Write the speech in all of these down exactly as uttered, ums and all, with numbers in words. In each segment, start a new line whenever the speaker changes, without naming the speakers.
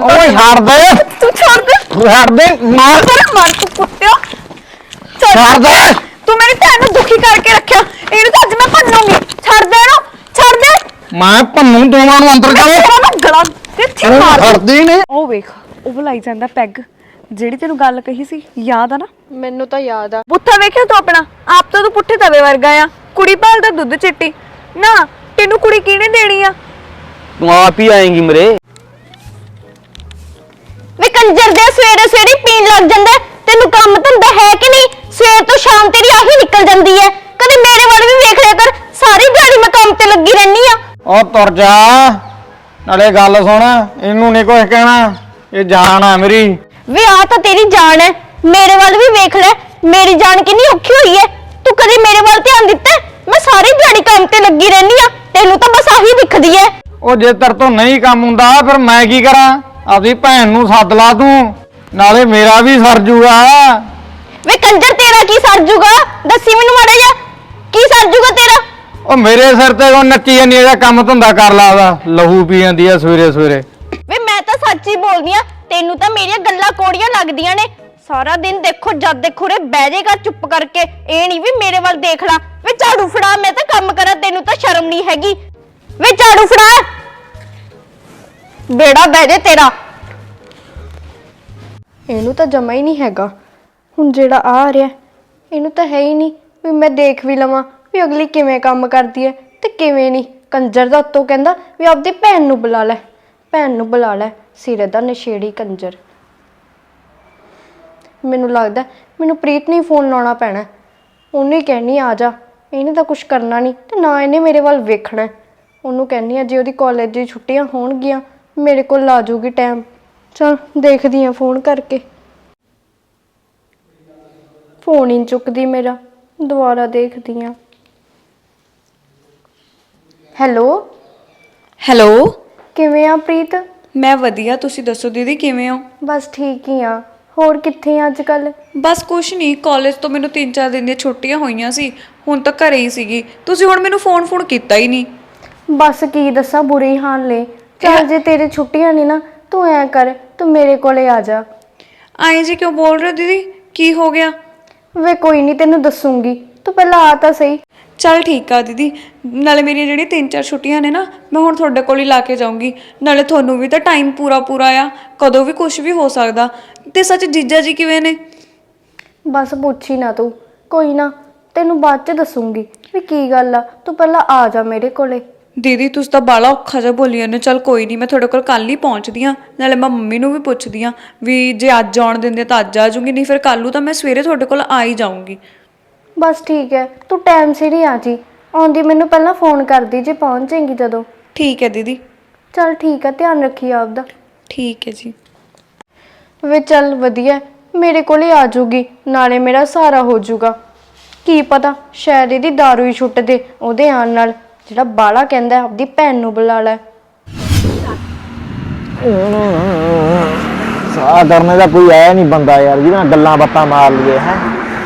ਓਏ ਛੱਡ ਦੇ
ਤੂੰ ਛੱਡ ਦੇ
ਛੱਡ ਦੇ ਮਾਰ
ਮਾਰ ਤੂੰ ਕੁੱਤਿਆ
ਛੱਡ ਦੇ
ਤੂੰ ਮੇਰੀ ਭੈਣ ਨੂੰ ਦੁਖੀ ਕਰਕੇ ਰੱਖਿਆ ਇਹਨੂੰ ਤਾਂ ਅੱਜ ਮੈਂ ਭੰਨੂੰਗੀ ਛੱਡ ਦੇ ਇਹਨੂੰ ਛੱਡ ਦੇ
ਮੈਂ ਭੰਨੂ ਦੋਵਾਂ ਨੂੰ ਅੰਦਰ ਜਾਓ
ਮੈਂ ਗਲਾ ਕਿੱਥੇ ਮਾਰ
ਛੱਡਦੀ ਨੇ
ਉਹ ਵੇਖ ਉਹ ਬੁਲਾਈ ਜਾਂਦਾ ਪੈਗ ਜਿਹੜੀ ਤੈਨੂੰ ਗੱਲ ਕਹੀ ਸੀ ਯਾਦ ਆ ਨਾ
ਮੈਨੂੰ ਤਾਂ ਯਾਦ ਆ
ਬੁੱਥਾ ਵੇਖਿਆ ਤੂੰ ਆਪਣਾ ਆਪ ਤਾਂ ਤੂੰ ਪੁੱਠੇ ਤਵੇ ਵਰਗਾ ਆ ਕੁੜੀ ਭਾਲਦਾ ਦੁੱਧ ਚਿੱਟੀ ਨਾ ਤੈਨੂੰ ਕੁੜੀ ਕਿਹਨੇ ਦੇਣੀ ਆ
ਤੂੰ ਆਪ ਹੀ ਆਏਂਗੀ ਮੇਰੇ
ਵੇ ਕੰਜਰ ਦੇ ਸਵੇਰੇ ਸਵੇਰੇ ਪੀਣ ਲੱਗ ਜਾਂਦਾ ਤੈਨੂੰ ਕੰਮ ਧੰਦਾ ਹੈ ਕਿ ਨਹੀਂ ਸਵੇਰ ਤੋਂ ਸ਼ਾਮ ਤੇਰੀ ਆਹੀ ਨਿਕਲ ਜਾਂਦੀ ਹੈ ਕਦੇ ਮੇਰੇ ਵੱਲ ਵੀ ਵੇਖ ਲਿਆ ਕਰ ਸਾਰੀ ਦਿਹਾੜੀ ਮੈਂ ਕੰਮ ਤੇ ਲੱਗੀ ਰਹਿਨੀ ਆ
ਉਹ ਤੁਰ ਜਾ ਨਾਲੇ ਗੱਲ ਸੁਣ ਇਹਨੂੰ ਨਹੀਂ ਕੁਝ ਕਹਿਣਾ ਇਹ ਜਾਨ ਆ ਮੇਰੀ
ਵੇ ਆ ਤਾਂ ਤੇਰੀ ਜਾਨ ਹੈ ਮੇਰੇ ਵੱਲ ਵੀ ਵੇਖ ਲੈ ਮੇਰੀ ਜਾਨ ਕਿੰਨੀ ਔਖੀ ਹੋਈ ਹੈ ਤੂੰ ਕਦੇ ਮੇਰੇ ਵੱਲ ਧਿਆਨ ਦਿੱਤਾ ਮੈਂ ਸਾਰੀ ਦਿਹਾੜੀ ਕੰਮ ਤੇ ਲੱਗੀ ਰਹਿਨੀ ਆ ਤੈਨੂੰ ਤਾਂ ਬਸ ਆਹੀ ਦਿਖਦੀ ਹੈ
ਉਹ ਜੇ ਤੇਰੇ ਤੋਂ ਨਹੀਂ ਕੰਮ ਹੁੰਦਾ ਫਿਰ ਮੈਂ ਕੀ ਕਰਾਂ ਆਪਣੀ ਭੈਣ ਨੂੰ ਸੱਦ ਲਾ ਤੂੰ ਨਾਲੇ ਮੇਰਾ ਵੀ ਸਰ ਜੂਗਾ
ਵੇ ਕੰਜਰ ਤੇਰਾ ਕੀ ਸਰ ਜੂਗਾ ਦੱਸੀ ਮੈਨੂੰ ਮਾੜਾ ਜਿਹਾ ਕੀ ਸਰ ਜੂਗਾ ਤੇਰਾ
ਉਹ ਮੇਰੇ ਸਿਰ ਤੇ ਉਹ ਨੱਚੀ ਜਾਂਦੀ ਇਹਦਾ ਕੰਮ ਧੰਦਾ ਕਰ ਲਾ ਉਹਦਾ ਲਹੂ ਪੀ ਜਾਂਦੀ ਆ ਸਵੇਰੇ ਸਵੇਰੇ
ਵੇ ਮੈਂ ਤਾਂ ਸੱਚ ਹੀ ਬੋਲਦੀ ਆ ਤੈਨੂੰ ਤਾਂ ਮੇਰੀਆਂ ਗੱਲਾਂ ਕੋੜੀਆਂ ਲੱਗਦੀਆਂ ਨੇ ਸਾਰਾ ਦਿਨ ਦੇਖੋ ਜਦ ਦੇਖੋ ਰੇ ਬਹਿ ਜਾਏਗਾ ਚੁੱਪ ਕਰਕੇ ਇਹ ਨਹੀਂ ਵੀ ਮੇਰੇ ਵੱਲ ਦੇਖ ਲਾ ਵੇ ਝਾੜੂ ਫੜਾ ਮੈਂ ਤਾਂ ਕੰਮ ਕਰਾਂ ਤੈਨੂੰ ਤਾਂ ਸ਼ਰਮ ਨਹੀਂ ਹੈਗੀ ਵੇ ਝਾੜੂ ਫੜਾ ਬੇੜਾ ਬਹਿ ਜੇ ਤੇਰਾ ਇਹਨੂੰ ਤਾਂ ਜਮਾ ਹੀ ਨਹੀਂ ਹੈਗਾ ਹੁਣ ਜਿਹੜਾ ਆ ਰਿਹਾ ਇਹਨੂੰ ਤਾਂ ਹੈ ਹੀ ਨਹੀਂ ਵੀ ਮੈਂ ਦੇਖ ਵੀ ਲਵਾਂ ਵੀ ਅਗਲੀ ਕਿਵੇਂ ਕੰਮ ਕਰਦੀ ਹੈ ਤੇ ਕਿਵੇਂ ਨਹੀਂ ਕੰਜਰ ਦਾ ਉੱਤੋਂ ਕਹਿੰਦਾ ਵੀ ਆਪਦੀ ਭੈਣ ਨੂੰ ਬੁਲਾ ਲੈ ਭੈਣ ਨੂੰ ਬੁਲਾ ਲੈ ਸਿਰੇ ਦਾ ਨਸ਼ੇੜੀ ਕੰਜਰ ਮੈਨੂੰ ਲੱਗਦਾ ਮੈਨੂੰ ਪ੍ਰੀਤ ਨੂੰ ਫੋਨ ਲਾਉਣਾ ਪੈਣਾ ਉਹਨੂੰ ਹੀ ਕਹਿਣੀ ਆ ਜਾ ਇਹਨੇ ਤਾਂ ਕੁਝ ਕਰਨਾ ਨਹੀਂ ਤੇ ਨਾ ਇਹਨੇ ਮੇਰੇ ਵੱਲ ਵੇਖਣਾ ਉਹਨੂੰ ਕਹਿਣੀ ਆ ਜੇ ਉਹਦੀ ਕਾਲਜ ਦੀ ਛੁੱਟੀਆਂ ਹੋਣਗੀਆਂ ਮੇਰੇ ਕੋਲ ਆ ਜਾਊਗੀ ਟਾਈਮ ਚਲ ਦੇਖਦੀ ਆ ਫੋਨ ਕਰਕੇ ਫੋਨ ਹੀ ਚੁੱਕਦੀ ਮੇਰਾ ਦੁਬਾਰਾ ਦੇਖਦੀ ਆ ਹੈਲੋ
ਹੈਲੋ
ਕਿਵੇਂ ਆ ਪ੍ਰੀਤ
ਮੈਂ ਵਧੀਆ ਤੁਸੀਂ ਦੱਸੋ ਦੀਦੀ ਕਿਵੇਂ ਹੋ
ਬਸ ਠੀਕ ਹੀ ਆ ਹੋਰ ਕਿੱਥੇ ਆ ਅੱਜ ਕੱਲ
ਬਸ ਕੁਛ ਨਹੀਂ ਕਾਲਜ ਤੋਂ ਮੈਨੂੰ ਤਿੰਨ ਚਾਰ ਦਿਨ ਦੀਆਂ ਛੁੱਟੀਆਂ ਹੋਈਆਂ ਸੀ ਹੁਣ ਤਾਂ ਘਰੇ ਹੀ ਸੀਗੀ ਤੁਸੀਂ ਹੁਣ ਮੈਨੂੰ ਫੋਨ ਫੋਨ ਕੀਤਾ ਹੀ ਨਹੀਂ
ਬਸ ਕੀ ਦੱਸਾਂ ਬੁਰੇ ਹਾਲ ਨੇ ਚੱਲ ਜੇ ਤੇਰੇ ਛੁੱਟੀਆਂ ਨਹੀਂ ਨਾ ਤੂੰ ਐ ਕਰ ਤੂੰ ਮੇਰੇ ਕੋਲੇ ਆ ਜਾ
ਆਏ ਜੀ ਕਿਉਂ ਬੋਲ ਰਹੇ ਹੋ ਦੀਦੀ ਕੀ ਹੋ ਗਿਆ
ਵੇ ਕੋਈ ਨਹੀਂ ਤੈਨੂੰ ਦੱਸੂਗੀ ਤੂੰ ਪਹਿਲਾਂ ਆ ਤਾਂ ਸਹੀ
ਚੱਲ ਠੀਕ ਆ ਦੀਦੀ ਨਾਲੇ ਮੇਰੀਆਂ ਜਿਹੜੀਆਂ ਤਿੰਨ ਚਾਰ ਛੁੱਟੀਆਂ ਨੇ ਨਾ ਮੈਂ ਹੁਣ ਤੁਹਾਡੇ ਕੋਲ ਹੀ ਲਾ ਕੇ ਜਾਊਂਗੀ ਨਾਲੇ ਤੁਹਾਨੂੰ ਵੀ ਤਾਂ ਟਾਈਮ ਪੂਰਾ ਪੂਰਾ ਆ ਕਦੋਂ ਵੀ ਕੁਝ ਵੀ ਹੋ ਸਕਦਾ ਤੇ ਸੱਚ ਜੀਜਾ ਜੀ ਕਿਵੇਂ ਨੇ
ਬਸ ਪੁੱਛ ਹੀ ਨਾ ਤੂੰ ਕੋਈ ਨਾ ਤੈਨੂੰ ਬਾਅਦ ਚ ਦੱਸੂਗੀ ਵੀ ਕੀ ਗੱਲ ਆ ਤੂੰ ਪਹਿਲਾਂ ਆ ਜਾ ਮੇਰੇ ਕੋਲੇ
ਦੀਦੀ ਤੁਸੀਂ ਤਾਂ ਬਾਲਾ ਔਖਾ ਜਿਹਾ ਬੋਲੀ ਜਾਂਦੇ ਚੱਲ ਕੋਈ ਨਹੀਂ ਮੈਂ ਤੁਹਾਡੇ ਕੋਲ ਕੱਲ ਹੀ ਪਹੁੰਚਦੀ ਆ ਨਾਲੇ ਮੈਂ ਮੰਮੀ ਨੂੰ ਵੀ ਪੁੱਛਦੀ ਆ ਵੀ ਜੇ ਅੱਜ ਆਉਣ ਦਿੰਦੇ ਤਾਂ ਅੱਜ ਆ ਜਾਊਂਗੀ ਨਹੀਂ ਫਿਰ ਕੱਲ ਨੂੰ ਤਾਂ ਮੈਂ ਸਵੇਰੇ ਤੁਹਾਡੇ ਕੋਲ ਆ ਹੀ ਜਾਊਂਗੀ
ਬਸ ਠੀਕ ਹੈ ਤੂੰ ਟਾਈਮ ਸਿਰ ਹੀ ਆ ਜੀ ਆਉਂਦੀ ਮੈਨੂੰ ਪਹਿਲਾਂ ਫੋਨ ਕਰਦੀ ਜੇ ਪਹੁੰਚ ਜਾਏਗੀ ਜਦੋਂ
ਠੀਕ ਹੈ ਦੀਦੀ
ਚੱਲ ਠੀਕ ਹੈ ਧਿਆਨ ਰੱਖੀ ਆਪਦਾ
ਠੀਕ ਹੈ ਜੀ
ਵੇ ਚੱਲ ਵਧੀਆ ਮੇਰੇ ਕੋਲੇ ਆ ਜਾਊਗੀ ਨਾਲੇ ਮੇਰਾ ਸਹਾਰਾ ਹੋ ਜਾਊਗਾ ਕੀ ਪਤਾ ਸ਼ਾਇਦ ਇਹਦੀ ਦਾਰੂ ਹੀ ਛੁੱਟ ਦੇ ਉਹਦੇ ਆਉਣ ਨਾਲ ਜਿਹੜਾ ਬਾਲਾ ਕਹਿੰਦਾ ਆਪਦੀ ਭੈਣ ਨੂੰ ਬੁਲਾ ਲੈ
ਸਾਹ ਕਰਨੇ ਦਾ ਕੋਈ ਆਇਆ ਨਹੀਂ ਬੰਦਾ ਯਾਰ ਜਿਹਨਾਂ ਗੱਲਾਂ ਬਾਤਾਂ ਮਾਰ ਲਈਏ ਹੈ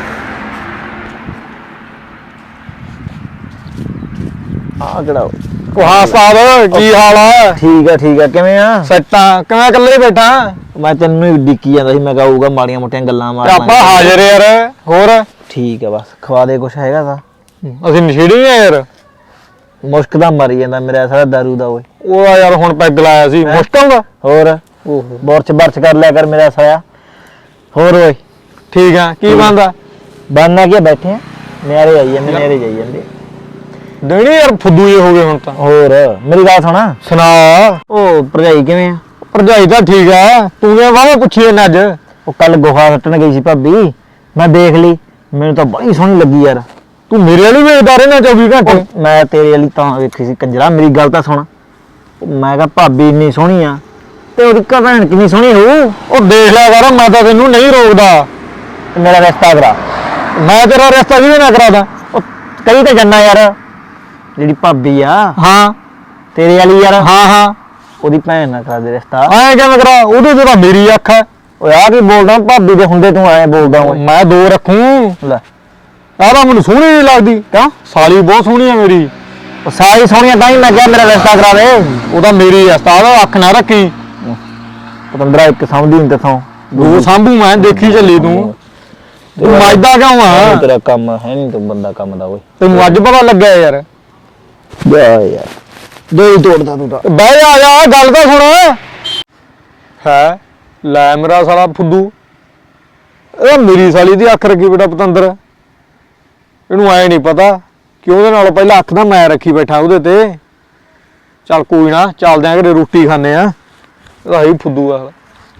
ਆ ਕਿਹੜਾ
ਉਹ ਹਾਂ ਸਾਹਿਬ ਕੀ ਹਾਲ ਆ
ਠੀਕ ਆ ਠੀਕ ਆ ਕਿਵੇਂ ਆ
ਸੱਟਾਂ ਕਿਵੇਂ ਇਕੱਲੇ ਹੀ ਬੈਠਾ
ਮੈਂ ਤੈਨੂੰ ਹੀ ਡਿੱਕੀ ਜਾਂਦਾ ਸੀ ਮੈਂ ਕਹੂਗਾ ਮਾੜੀਆਂ ਮੋਟੀਆਂ ਗੱਲਾਂ ਮਾਰ
ਤੇ ਆਪਾਂ ਹਾਜ਼ਰ ਯਾਰ ਹੋਰ
ਠੀਕ ਆ ਬਸ ਖਵਾ ਦੇ ਕੁਛ ਹੈਗਾ ਤਾਂ
ਅਸੀਂ ਨਸ਼ੇੜੀ ਆ ਯਾਰ
ਮੁਸ਼ਕ ਦਾ ਮਰੀ ਜਾਂਦਾ ਮੇਰਾ ਸਾਰਾ ਦਾਰੂ ਦਾ ਓਏ
ਉਹ ਆ ਯਾਰ ਹੁਣ ਪੈਗ ਲਾਇਆ ਸੀ ਮੁਸ਼ਕਲ ਦਾ
ਹੋਰ
ਓਹੋ
ਬੋਰਚ ਬਰਚ ਕਰ ਲਿਆ ਕਰ ਮੇਰਾ ਸਾਇਆ ਹੋਰ ਓਏ
ਠੀਕ ਆ ਕੀ ਬੰਦਾ
ਬੰਨਾ ਕੀ ਬੈਠੇ ਆ ਨਿਆਰੇ ਆਈ ਜਾਂਦੇ ਨਿਆਰੇ ਜਾਈ ਜਾਂਦੇ
ਦੇਣੀ ਯਾਰ ਫੁੱਦੂ ਜੇ ਹੋ ਗਏ ਹੁਣ ਤਾਂ
ਹੋਰ ਮੇਰੀ ਗੱਲ ਸੁਣਾ
ਸੁਣਾ
ਉਹ ਭਰਜਾਈ ਕਿਵੇਂ ਆ
ਭਰਜਾਈ ਤਾਂ ਠੀਕ ਆ ਤੂੰ ਕਿਵੇਂ ਵਾਵਾ ਪੁੱਛੀ ਇਹਨਾਂ ਅੱਜ
ਉਹ ਕੱਲ ਗੋਹਾ ਸੱਟਣ ਗਈ ਸੀ ਭਾਬੀ ਮੈਂ ਦੇਖ ਲਈ ਮੈਨੂੰ ਤਾਂ ਬੜੀ ਸੋਹਣੀ ਲੱਗੀ ਯਾਰ
ਤੂੰ ਮੇਰੇ ਵਾਲੀ ਵੇਖਦਾ ਰਹਿਣਾ ਚੌਵੀ ਘੰਟੇ
ਮੈਂ ਤੇਰੇ ਵਾਲੀ ਤਾਂ ਵੇਖੀ ਸੀ ਕੰਜਰਾ ਮੇਰੀ ਗੱਲ ਤਾਂ ਸੁਣ ਮੈਂ ਕਿਹਾ ਭਾਬੀ ਇੰਨੀ ਸੋਹਣੀ ਆ ਤੇ ਉਹਦੀ ਭੈਣ ਕਿੰਨੀ ਸੋਹਣੀ ਹੋਊ
ਉਹ ਦੇਖ ਲਿਆ ਕਰ ਮੈਂ ਤਾਂ ਤੈਨੂੰ ਨਹੀਂ ਰੋਕਦਾ
ਮੇਰਾ ਰਿਸ਼ਤਾ ਕਰਾ
ਮੈਂ ਤੇਰਾ ਰਿਸ਼ਤਾ ਕਿਵੇਂ ਨਾ ਕਰਾਦਾ
ਉਹ ਕਈ ਤਾਂ ਜੰਨਾ ਯਾਰ ਜਿਹੜੀ ਭਾਬੀ ਆ
ਹਾਂ
ਤੇਰੇ ਵਾਲੀ ਯਾਰ
ਹਾਂ ਹਾਂ
ਉਹਦੀ ਭੈਣ ਨਾਲ ਕਰਾ ਦੇ ਰਿਸ਼ਤਾ
ਐਂ ਕਿਵੇਂ ਕਰਾ ਉਹਦੇ ਤੇ ਤਾਂ ਮੇਰੀ ਅੱਖ ਹੈ
ਓਏ ਆ ਕੀ ਬੋਲਦਾ ਭਾਬੀ ਦੇ ਹੁੰਦੇ ਤੂੰ ਐਂ ਬੋਲਦਾ ਓਏ
ਮੈਂ ਦੋ ਰੱਖੂ
ਲੈ
ਆਹ ਤਾਂ ਮੈਨੂੰ ਸੋਹਣੀ ਨਹੀਂ ਲੱਗਦੀ
ਕਿਉਂ
ਸਾਲੀ ਬਹੁਤ ਸੋਹਣੀ ਆ ਮੇਰੀ
ਉਹ ਸਾਰੀ ਸੋਹਣੀਆਂ ਤਾਂ ਹੀ ਮੈਂ ਕਿਹਾ ਮੇਰਾ ਰਿਸ਼ਤਾ ਕਰਾ ਦੇ
ਉਹ ਤਾਂ ਮੇਰੀ ਆ ਉਸਤਾਦ ਅੱਖ ਨਾ ਰੱਖੀ
ਪਤੰਦਰਾ ਇੱਕ ਸਮਝਦੀ ਨਹੀਂ ਤੇਥੋਂ
ਦੋ ਸਾਂਭੂ ਮੈਂ ਦੇਖੀ ਚੱਲੀ ਤੂੰ ਤੂੰ ਮੱਝਦਾ ਕਿਉਂ ਆ
ਤੇਰਾ ਕੰਮ ਹੈ ਨਹੀਂ ਤੂੰ ਬੰਦਾ ਕੰਮ ਦਾ ਓਏ
ਤੈਨੂੰ ਅੱਜ ਪਤਾ ਲੱਗਿਆ ਯਾਰ
ਜਾ ਯਾਰ ਦੋ ਹੀ ਤੋੜਦਾ ਤੂੰ ਤਾਂ
ਬਹਿ ਜਾ ਜਾ ਗੱਲ ਤਾਂ ਸੁਣ ਹੈ ਲੈ ਮੇਰਾ ਸਾਲਾ ਫੁੱਦੂ ਇਹ ਮੇਰੀ ਸਾਲੀ ਦੀ ਅੱਖ ਰੱਖੀ ਬੇਟਾ ਪਤੰਦਰ ਇਹਨੂੰ ਐ ਨਹੀਂ ਪਤਾ ਕਿ ਉਹਦੇ ਨਾਲ ਪਹਿਲਾਂ ਅੱਖ ਤਾਂ ਮੈਂ ਰੱਖੀ ਬੈਠਾ ਉਹਦੇ ਤੇ ਚੱਲ ਕੋਈ ਨਾ ਚੱਲਦੇ ਆਂ ਘਰੇ ਰੋਟੀ ਖਾਣੇ ਆ ਇਹਦਾ ਹੀ ਫੁੱਦੂ ਆ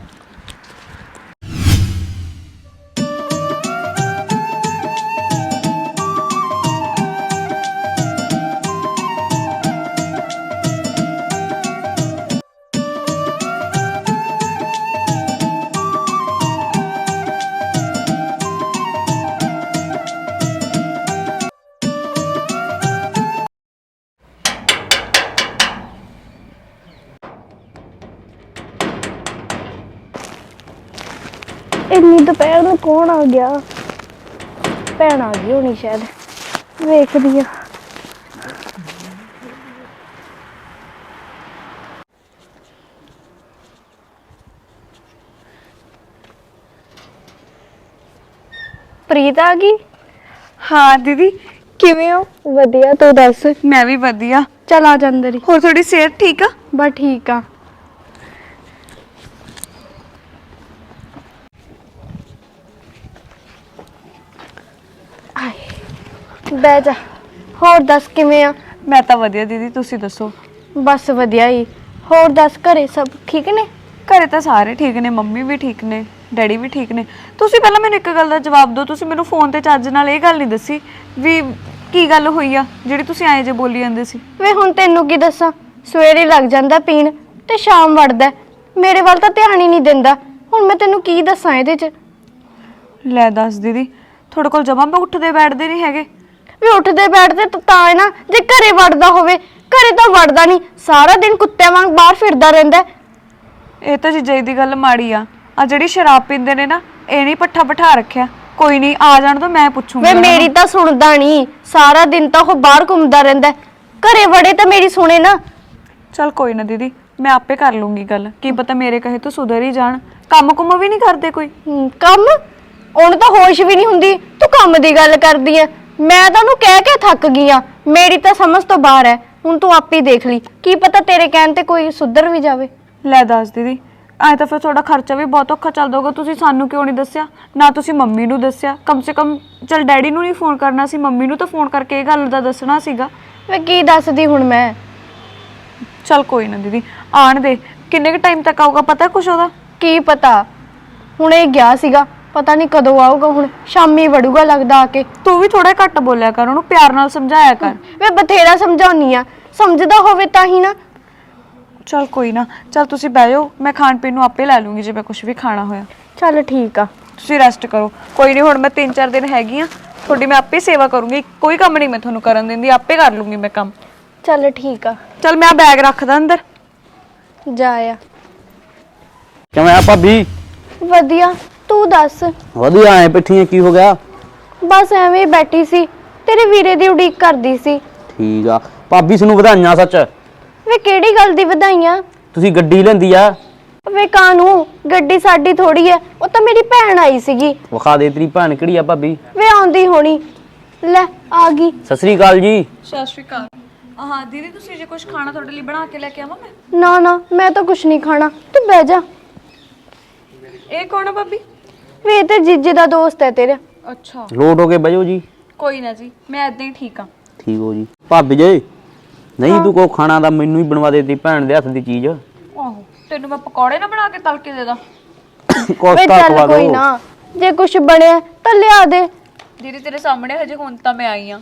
ਇੰਨੀ ਦੁਪਹਿਰ ਨੂੰ ਕੌਣ ਆ ਗਿਆ? ਭੈਣ ਆ ਗਈ ਹੋਣੀ ਸ਼ਾਇਦ, ਵੇਖਦੀ ਆ। ਪ੍ਰੀਤ ਆ ਗਈ?
ਹਾਂ ਦੀਦੀ ਕਿਵੇਂ ਹੋ?
ਵਧੀਆ, ਤੂੰ ਦੱਸ।
ਮੈਂ ਵੀ ਵਧੀਆ।
ਚੱਲ ਆ ਜਾ ਅੰਦਰ ਹੀ।
ਹੋਰ ਤੁਹਾਡੀ ਸਿਹਤ ਠੀਕ ਆ?
ਬਸ ਠੀਕ ਆ। ਬਹਿ ਜਾ। ਹੋਰ ਦੱਸ ਕਿਵੇਂ ਆ?
ਮੈਂ ਤਾਂ ਵਧੀਆ ਦੀਦੀ, ਤੁਸੀਂ ਦੱਸੋ?
ਬਸ ਵਧੀਆ ਹੀ। ਹੋਰ ਦੱਸ ਘਰੇ ਸਭ ਠੀਕ ਨੇ?
ਘਰੇ ਤਾਂ ਸਾਰੇ ਠੀਕ ਨੇ, ਮੰਮੀ ਵੀ ਠੀਕ ਨੇ, ਡੈਡੀ ਵੀ ਠੀਕ ਨੇ। ਤੁਸੀਂ ਪਹਿਲਾਂ ਮੈਨੂੰ ਇੱਕ ਗੱਲ ਦਾ ਜਵਾਬ ਦਿਓ, ਤੁਸੀਂ ਮੈਨੂੰ ਫੋਨ ਤੇ ਚੱਜ ਨਾਲ ਇਹ ਗੱਲ ਨਹੀਂ ਦੱਸੀ ਵੀ ਕੀ ਗੱਲ ਹੋਈ ਆ ਜਿਹੜੀ ਤੁਸੀਂ ਐਂ ਜੇ ਬੋਲੀ ਜਾਂਦੇ ਸੀ।
ਵੇ ਹੁਣ ਤੈਨੂੰ ਕੀ ਦੱਸਾਂ, ਸਵੇਰੇ ਲੱਗ ਜਾਂਦਾ ਪੀਣ ਤੇ ਸ਼ਾਮ ਵੜਦਾ, ਮੇਰੇ ਵੱਲ ਤਾਂ ਧਿਆਨ ਹੀ ਨਹੀਂ ਦਿੰਦਾ। ਹੁਣ ਮੈਂ ਤੈਨੂੰ ਕੀ ਦੱਸਾਂ ਇਹਦੇ 'ਚ?
ਲੈ ਦੱਸ ਦੀਦੀ, ਤੁਹਾਡੇ ਕੋਲ ਜਮਾਂ ਮੈਂ ਉੱਠਦੇ ਬੈਠਦੇ ਨਹੀਂ ਹੈਗੇ।
ਵੀ ਉੱਠਦੇ ਬੈਠਦੇ ਤਾਂ ਤਾਂ ਹੈ ਨਾ, ਜੇ ਘਰੇ ਵੜਦਾ ਹੋਵੇ। ਘਰੇ ਤਾਂ ਵੜਦਾ ਨਹੀਂ, ਸਾਰਾ ਦਿਨ ਕੁੱਤਿਆਂ ਵਾਂਗ ਬਾਹਰ ਫਿਰਦਾ ਰਹਿੰਦਾ।
ਇਹ ਤਾਂ ਜੀਜੇ ਦੀ ਗੱਲ ਮਾੜੀ ਆ। ਆ ਜਿਹੜੀ ਸ਼ਰਾਬ ਪੀਂਦੇ ਨੇ ਨਾ, ਇਹ ਨਹੀਂ ਪੱਠਾ ਬਿਠਾ ਰੱਖਿਆ। ਕੋਈ ਨਹੀਂ, ਆ ਜਾਣ ਤੋਂ ਮੈਂ ਪੁੱਛੂੰਗੀ।
ਵੇ ਮੇਰੀ ਤਾਂ ਸੁਣਦਾ ਨਹੀਂ, ਸਾਰਾ ਦਿਨ ਤਾਂ ਉਹ ਬਾਹਰ ਘੁੰਮਦਾ ਰਹਿੰਦਾ। ਘਰੇ ਵੜੇ ਤਾਂ ਮੇਰੀ ਸੁਣੇ ਨਾ।
ਚਲ ਕੋਈ ਨਾ ਦੀਦੀ, ਮੈਂ ਆਪੇ ਕਰ ਲੂੰਗੀ ਗੱਲ। ਕੀ ਪਤਾ ਮੇਰੇ ਕਹੇ ਤੋਂ ਸੁਧਰ ਹੀ ਜਾਣ। ਕੰਮ ਕੁੰਮ ਵੀ ਨਹੀਂ ਕਰਦੇ ਕੋਈ?
ਹਮ, ਕੰਮ? ਉਹਨੂੰ ਤਾਂ ਹੋਸ਼ ਵੀ ਨਹੀਂ ਹੁੰਦੀ, ਤੂੰ ਕੰਮ ਦੀ ਗੱਲ ਕਰਦੀ ਐ। ਮੈਂ ਤਾਂ ਉਹਨੂੰ ਕਹਿ ਕੇ ਥੱਕ ਗਈ ਆ, ਮੇਰੀ ਤਾਂ ਸਮਝ ਤੋਂ ਬਾਹਰ ਐ। ਹੁਣ ਤੂੰ ਆਪੇ ਦੇਖ ਲਈ, ਕੀ ਪਤਾ ਤੇਰੇ ਕਹਿਣ ਤੇ ਕੋਈ ਸੁਧਰ ਵੀ ਜਾਵੇ।
ਲੈ ਦੱਸ ਦੀਦੀ, ਐ ਤਾਂ ਫਿਰ ਤੁਹਾਡਾ ਖਰਚਾ ਵੀ ਬਹੁਤ ਔਖਾ ਚੱਲਦਾ ਹੋਊਗਾ। ਤੁਸੀਂ ਸਾਨੂੰ ਕਿਉਂ ਨਹੀਂ ਦੱਸਿਆ? ਨਾ ਤੁਸੀਂ ਮੰਮੀ ਨੂੰ ਦੱਸਿਆ। ਕਮ ਸੇ ਕਮ ਚਲ ਡੈਡੀ ਨੂੰ ਨਹੀਂ ਫੋਨ ਕਰਨਾ ਸੀ, ਮੰਮੀ ਨੂੰ ਤਾਂ ਫੋਨ ਕਰਕੇ ਇਹ ਗੱਲ ਦਾ ਦੱਸਣਾ ਸੀਗਾ।
ਵੇ ਕੀ ਦੱਸਦੀ ਹੁਣ ਮੈਂ?
ਚਲ ਕੋਈ ਨਾ ਦੀਦੀ, ਆਣ ਦੇ। ਕਿੰਨੇ ਕੁ ਟਾਈਮ ਤੱਕ ਆਊਗਾ ਪਤਾ ਕੁਛ ਉਹਦਾ?
ਕੀ ਪਤਾ, ਹੁਣ ਇਹ ਗਿਆ ਸੀਗਾ, ਪਤਾ ਨਹੀਂ ਕਦੋਂ ਆਊਗਾ। ਹੁਣ ਸ਼ਾਮੀ ਵੜੂਗਾ ਲੱਗਦਾ ਆ ਕੇ।
ਤੂੰ ਵੀ ਥੋੜਾ ਘੱਟ ਬੋਲਿਆ ਕਰ, ਉਹਨੂੰ ਪਿਆਰ ਨਾਲ ਸਮਝਾਇਆ ਕਰ।
ਵੇ ਬਥੇਰਾ ਸਮਝਾਉਣੀ ਆ, ਸਮਝਦਾ ਹੋਵੇ ਤਾਂ ਹੀ ਨਾ।
ਚਲ ਕੋਈ ਨਾ, ਚਲ ਤੁਸੀਂ ਬਹਿ ਜਾਓ, ਮੈਂ ਖਾਣ ਪੀਣ ਨੂੰ ਆਪੇ ਲੈ ਲੂੰਗੀ ਜੇ ਮੈਂ ਕੁਝ ਵੀ ਖਾਣਾ ਹੋਇਆ।
ਚੱਲ ਠੀਕ ਆ,
ਤੁਸੀਂ ਰੈਸਟ ਕਰੋ। ਕੋਈ ਨਹੀਂ, ਹੁਣ ਮੈਂ ਤਿੰਨ ਚਾਰ ਦਿਨ ਹੈਗੀ ਆ ਤੁਹਾਡੀ, ਮੈਂ ਆਪੇ ਸੇਵਾ ਕਰੂੰਗੀ। ਕੋਈ ਕੰਮ ਨਹੀਂ ਮੈਂ ਤੁਹਾਨੂੰ ਕਰਨ ਦਿੰਦੀ, ਆਪੇ ਕਰ ਲੂੰਗੀ ਮੈਂ ਕੰਮ।
ਚੱਲ ਠੀਕ ਆ।
ਚਲ ਮੈਂ ਬੈਗ ਰੱਖਦਾ ਅੰਦਰ।
ਜਾ ਆ।
ਕਿਵੇਂ ਆ ਭਾਬੀ?
ਵਧੀਆ, ਤੂੰ ਦੱਸ।
ਵਧੀਆ ਐ ਪਿੱਠੀਆਂ, ਕੀ ਹੋ ਗਿਆ?
ਬਸ ਐਵੇਂ ਬੈਠੀ ਸੀ, ਤੇਰੇ ਵੀਰੇ ਦੀ ਉਡੀਕ ਕਰਦੀ ਸੀ।
ਠੀਕ ਆ ਭਾਬੀ, ਸਾਨੂੰ ਵਧਾਈਆਂ। ਸੱਚ
ਵੇ ਕਿਹੜੀ ਗੱਲ ਦੀ ਵਧਾਈਆਂ?
ਤੁਸੀਂ ਗੱਡੀ ਲੈਂਦੀ ਆ।
ਵੇ ਕਾਨੂੰ, ਗੱਡੀ ਸਾਡੀ ਥੋੜੀ ਐ, ਉਹ ਤਾਂ ਮੇਰੀ ਭੈਣ ਆਈ ਸੀਗੀ।
ਵਿਖਾ ਦੇ ਤੇਰੀ ਭੈਣ ਕਿਹੜੀ ਆ ਭਾਬੀ।
ਵੇ ਆਉਂਦੀ ਹੋਣੀ, ਲੈ ਆ ਗਈ।
ਸਤਿ ਸ੍ਰੀ ਅਕਾਲ ਜੀ।
ਸਤਿ ਸ਼੍ਰੀ ਅਕਾਲ। ਹਾਂ ਦੀਦੀ, ਤੁਸੀਂ ਜੇ ਕੁਝ ਖਾਣਾ ਤੁਹਾਡੇ ਲਈ ਬਣਾ ਕੇ ਲੈ ਕੇ ਆਵਾਂ ਮੈਂ?
ਨਾ ਨਾ, ਮੈਂ ਤਾਂ ਕੁਛ ਨਹੀਂ ਖਾਣਾ, ਤੂੰ ਬਹਿ ਜਾ।
ਇਹ ਕੌਣ ਆ ਭਾਬੀ?
ਵੇ ਇਹ ਤੇ ਜੀਜੇ ਦਾ ਦੋਸਤ ਹੈ ਤੇਰਾ।
ਅੱਛਾ,
ਲੋਟ ਹੋ ਕੇ ਬਹਿਓ ਜੀ।
ਕੋਈ ਨਾ ਜੀ, ਮੈਂ ਏਦਾਂ ਹੀ ਠੀਕ ਆ।
ਠੀਕ ਹੋ ਜੀ। ਭਾਬੀ ਜੀ, ਨਹੀਂ ਤੂੰ ਕੋ ਖਾਣਾ ਦਾ ਮੈਨੂੰ ਹੀ ਬਣਵਾ ਦੇ, ਤੇਰੀ ਭੈਣ ਦੇ ਹੱਥ ਦੀ ਚੀਜ਼।
ਆਹੋ, ਤੈਨੂੰ ਮੈਂ ਪਕੌੜੇ ਨਾ ਬਣਾ ਕੇ ਤਲ ਕੇ ਦੇ ਦਾਂ?
ਵੇ
ਕੋਸਤਾ
ਚੱਲ
ਖਵਾ
ਕੋਈ
ਦੋ।
ਨਾ, ਜੇ ਕੁਛ ਬਣਿਆ ਤਾਂ ਲਿਆ ਦੇ।
ਦੀਦੀ ਤੇਰੇ ਸਾਹਮਣੇ ਹਜੇ ਹੁਣ ਤਾਂ ਮੈਂ ਆਈ ਆ,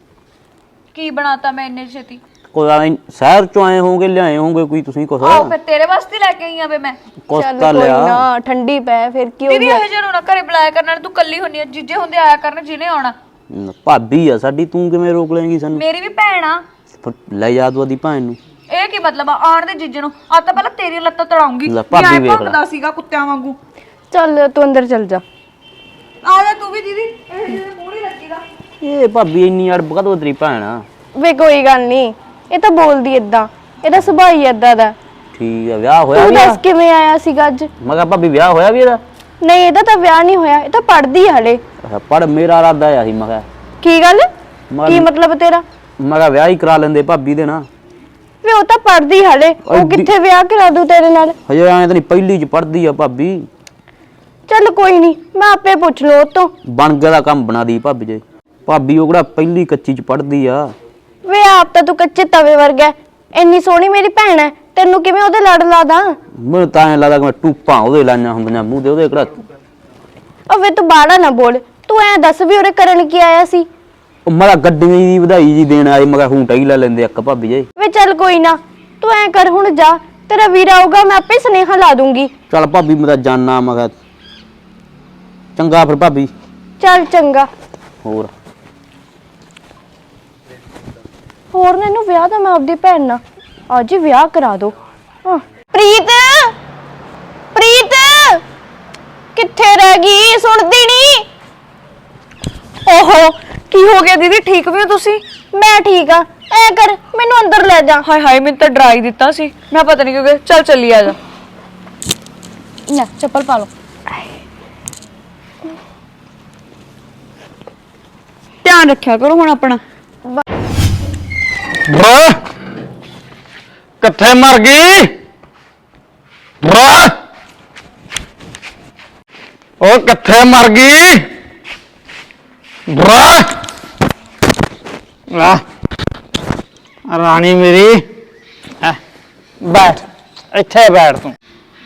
ਕੀ ਬਣਾਤਾ ਮੈਂ ਇੰਨੇ ਛੇਤੀ?
ਕੋਈ ਆ ਸ਼ਹਿਰ ਚੋਂ ਆਏ ਹੋਗੇ, ਲਿਆਏ ਹੋਗੇ ਕੋਈ ਤੁਸੀਂ ਕੁਛ।
ਆਹੋ, ਫਿਰ ਤੇਰੇ ਵਾਸਤੇ ਲੈ ਕੇ ਆਈ ਆ ਵੇ ਮੈਂ।
ਚੱਲ
ਕੋਸਤਾ
ਕੋਈ
ਲਿਆ।
ਨਾ, ਠੰਡੀ ਪੈ, ਫਿਰ ਕੀ ਹੋ
ਦੀਦੀ
ਗਿਆ?
ਇਹ ਜਿਹਨੂੰ ਨਾ ਘਰੇ ਬੁਲਾਇਆ ਕਰਨ, ਨਾਲ ਤੂੰ ਕੱਲੀ ਹੁੰਨੀ ਆ। ਜੀਜੇ ਹੁੰਦੇ ਆਇਆ ਕਰਨ ਜਿਹਨੇ ਆਉਣਾ।
ਨ- ਭਾਬੀ ਆ ਸਾਡੀ, ਤੂੰ ਕਿਵੇਂ ਰੋਕ ਲਏਂਗੀ ਸਾਨੂੰ?
ਮੇਰੀ ਵੀ ਭੈਣ ਆ।
ਫਿਰ ਲੈ ਜਾ ਤੂੰ ਉਹਦੀ ਭੈਣ ਨੂੰ।
ਇਹ ਕੀ ਮਤਲਬ ਆ ਆਣ ਦੇ ਜੀਜੇ ਨੂੰ? ਆ ਤਾਂ ਪਹਿਲਾਂ ਤੇਰੀ ਲੱਤਾਂ ਤੜਾਉਂਗੀ।
ਲੈ ਭਾਬੀ ਵੇਖ ਲੈ।
ਭੰਗਦਾ ਸੀਗਾ ਕੁੱਤਿਆਂ ਵਾਂਗੂ।
ਚੱਲ ਤੂੰ ਅੰਦਰ ਚੱਲ ਜਾ।
ਆ ਜਾ ਤੂੰ ਵੀ ਦੀਦੀ, ਇਹ ਜਿਹੇ ਮੂੰਹ ਨਹੀਂ ਲੱਗੀਦਾ।
ਇਹ ਭਾਬੀ ਇੰਨੀ ਅੜਬ ਕਦੋਂ ਤੇਰੀ ਭੈਣ ਆ?
ਵੇ ਕੋਈ ਗੱਲ ਨਹੀਂ, ਇਹ ਤਾਂ ਬੋਲਦੀ ਏਦਾਂ, ਇਹਦਾ ਸੁਭਾਅ ਹੀ ਏਦਾਂ ਦਾ।
ਠੀਕ ਆ, ਵਿਆਹ ਹੋਇਆ
ਤੂੰ
ਵੀ
ਦੱਸ
ਇਹਦਾ?
ਕਿਵੇਂ ਆਇਆ ਸੀਗਾ ਅੱਜ?
ਮੈਂ ਕਿਹਾ ਭਾਬੀ ਵਿਆਹ ਹੋਇਆ ਵੀ ਇਹਦਾ?
ਨਹੀਂ ਇਹਦਾ ਤਾਂ ਵਿਆਹ ਨਹੀਂ ਹੋਇਆ, ਇਹ ਤਾਂ ਪੜ੍ਹਦੀ ਆ ਹਲੇ।
ਪੜ ਮੇਰਾ ਇਰਾਦਾ ਆ ਸੀ, ਮੈਂ ਕਿਹਾ
ਕੀ ਗੱਲ?
ਮੈਂ-
ਕੀ ਮਤਲਬ ਤੇਰਾ?
ਮੈਂ ਕਿਹਾ ਵਿਆਹ ਹੀ ਕਰਾ ਲੈਂਦੇ ਭਾਬੀ ਦੇ ਨਾਲ।
ਵੀ ਉਹ ਤਾਂ ਪੜ੍ਹਦੀ ਹਲੇ, ਉਹ
ਐਡੀ-
ਕਿੱਥੇ ਵਿਆਹ ਕਰਾ ਦੂ ਤੇਰੇ ਨਾਲ?
ਹਜੇ ਐਂ ਤਾਂ ਨਹੀਂ, ਪਹਿਲੀ ਚ ਪੜਦੀ ਆ ਭਾਬੀ।
ਚੱਲ ਕੋਈ ਨਹੀਂ, ਮੈਂ ਆਪੇ ਪੁੱਛ ਲਓ ਉਹ ਤੋਂ।
ਬਣ ਗਿਆ ਦਾ ਕੰਮ ਬਣਾ ਦੀ ਭਾਬੀ ਜੇ। ਭਾਬੀ ਉਹ ਕਿਹੜਾ ਪਹਿਲੀ ਕੱਚੀ ਚ ਪੜਦੀ ਆ।
ਵੇ ਆਪ ਤਾਂ ਤੂੰ ਕੱਚੇ ਤਵੇ ਵਰਗਾ ਹੈ। ਇੰਨੀ ਸੋਹਣੀ ਮੇਰੀ ਭੈਣ ਹੈ, ਤੈਨੂੰ ਕਿਵੇਂ ਉਹਦੇ ਲੜ ਲਾਦਾ?
ਮੈਨੂੰ ਤਾਂ ਐਂ ਲੱਗਦਾ ਕਿ ਮੈਂ ਟੂਪਾਂ ਉਹਦੇ ਲਾਈਆਂ ਹੁੰਦੀਆਂ ਮੂੰਹ ਤੇ, ਉਹਦੇ ਕਿਹੜਾ।
ਉਹ ਵੇ ਤੂੰ ਬਾੜਾ ਨਾ ਬੋਲ, ਤੂੰ ਐਂ ਦੱਸ ਵੀ ਉਹਰੇ ਕਰਨ ਕੀ ਆਇਆ ਸੀ?
ਉਹ ਮੈਂ ਕਿਹਾ ਗੱਡੀਆਂ ਦੀ ਵਧਾਈ ਜੀ ਦੇਣ ਆਏ, ਮੈਂ ਕਿਹਾ ਹੂੰਟਾ ਹੀ ਲੈ ਲੈਂਦੇ ਇੱਕ ਭਾਬੀ ਜੇ।
ਵੇ ਚੱਲ ਕੋਈ ਨਾ, ਤੂੰ ਐਂ ਕਰ ਹੁਣ ਜਾ, ਤੇਰਾ ਵੀਰ ਆਊਗਾ ਮੈਂ ਆਪੇ ਸੁਨੇਹਾ ਲਾ ਦੂੰਗੀ।
ਚੱਲ ਭਾਬੀ ਮੈਂ ਤਾਂ ਜਾਣਾ, ਮੈਂ ਕਿਹਾ ਚੰਗਾ ਫਿਰ ਭਾਬੀ।
ਚੱਲ ਚੰਗਾ।
ਹੋਰ
ਹੋਰ ਨਾ ਇਹਨੂੰ ਵਿਆਹ ਤਾਂ ਮੈਂ ਆਪਦੀ ਭੈਣ ਨਾਲ ਅੱਜ ਹੀ ਵਿਆਹ ਕਰਾ ਦੋ। ਹਾਂ। ਪ੍ਰੀਤ, ਪ੍ਰੀਤ ਕਿੱਥੇ ਰਹਿ ਗਈ? ਸੁਣਦੀ ਨਹੀਂ?
ਓਹੋ ਕੀ ਹੋ ਗਿਆ ਦੀਦੀ, ਠੀਕ ਵੀ ਹੋ ਤੁਸੀਂ?
ਮੈਂ ਠੀਕ ਆ, ਐ ਕਰ ਮੈਨੂੰ ਅੰਦਰ ਲੈ ਜਾ।
ਹਾਏ ਹਾਏ, ਮੈਨੂੰ ਤਾਂ ਡਰਾ ਹੀ ਦਿੱਤਾ ਸੀ, ਮੈਂ ਪਤਾ ਨਹੀਂ ਕਿਉਂ। ਚੱਲ ਚੱਲੀ ਆ ਜਾ।
ਨਾ ਚੱਪਲ ਪਾ ਲਓ।
ਧਿਆਨ ਰੱਖਿਆ ਕਰੋ ਹੁਣ ਆਪਣਾ।
ਬਰਾ ਕਿੱਥੇ ਮਰ ਗਈ? ਬਰਾ ਉਹ ਕਿੱਥੇ ਮਰ ਗਈ? ਬਰਾ ਆ ਰਾਣੀ ਮੇਰੀ, ਆ ਬੈਠ ਇੱਥੇ ਬੈਠ ਤੂੰ।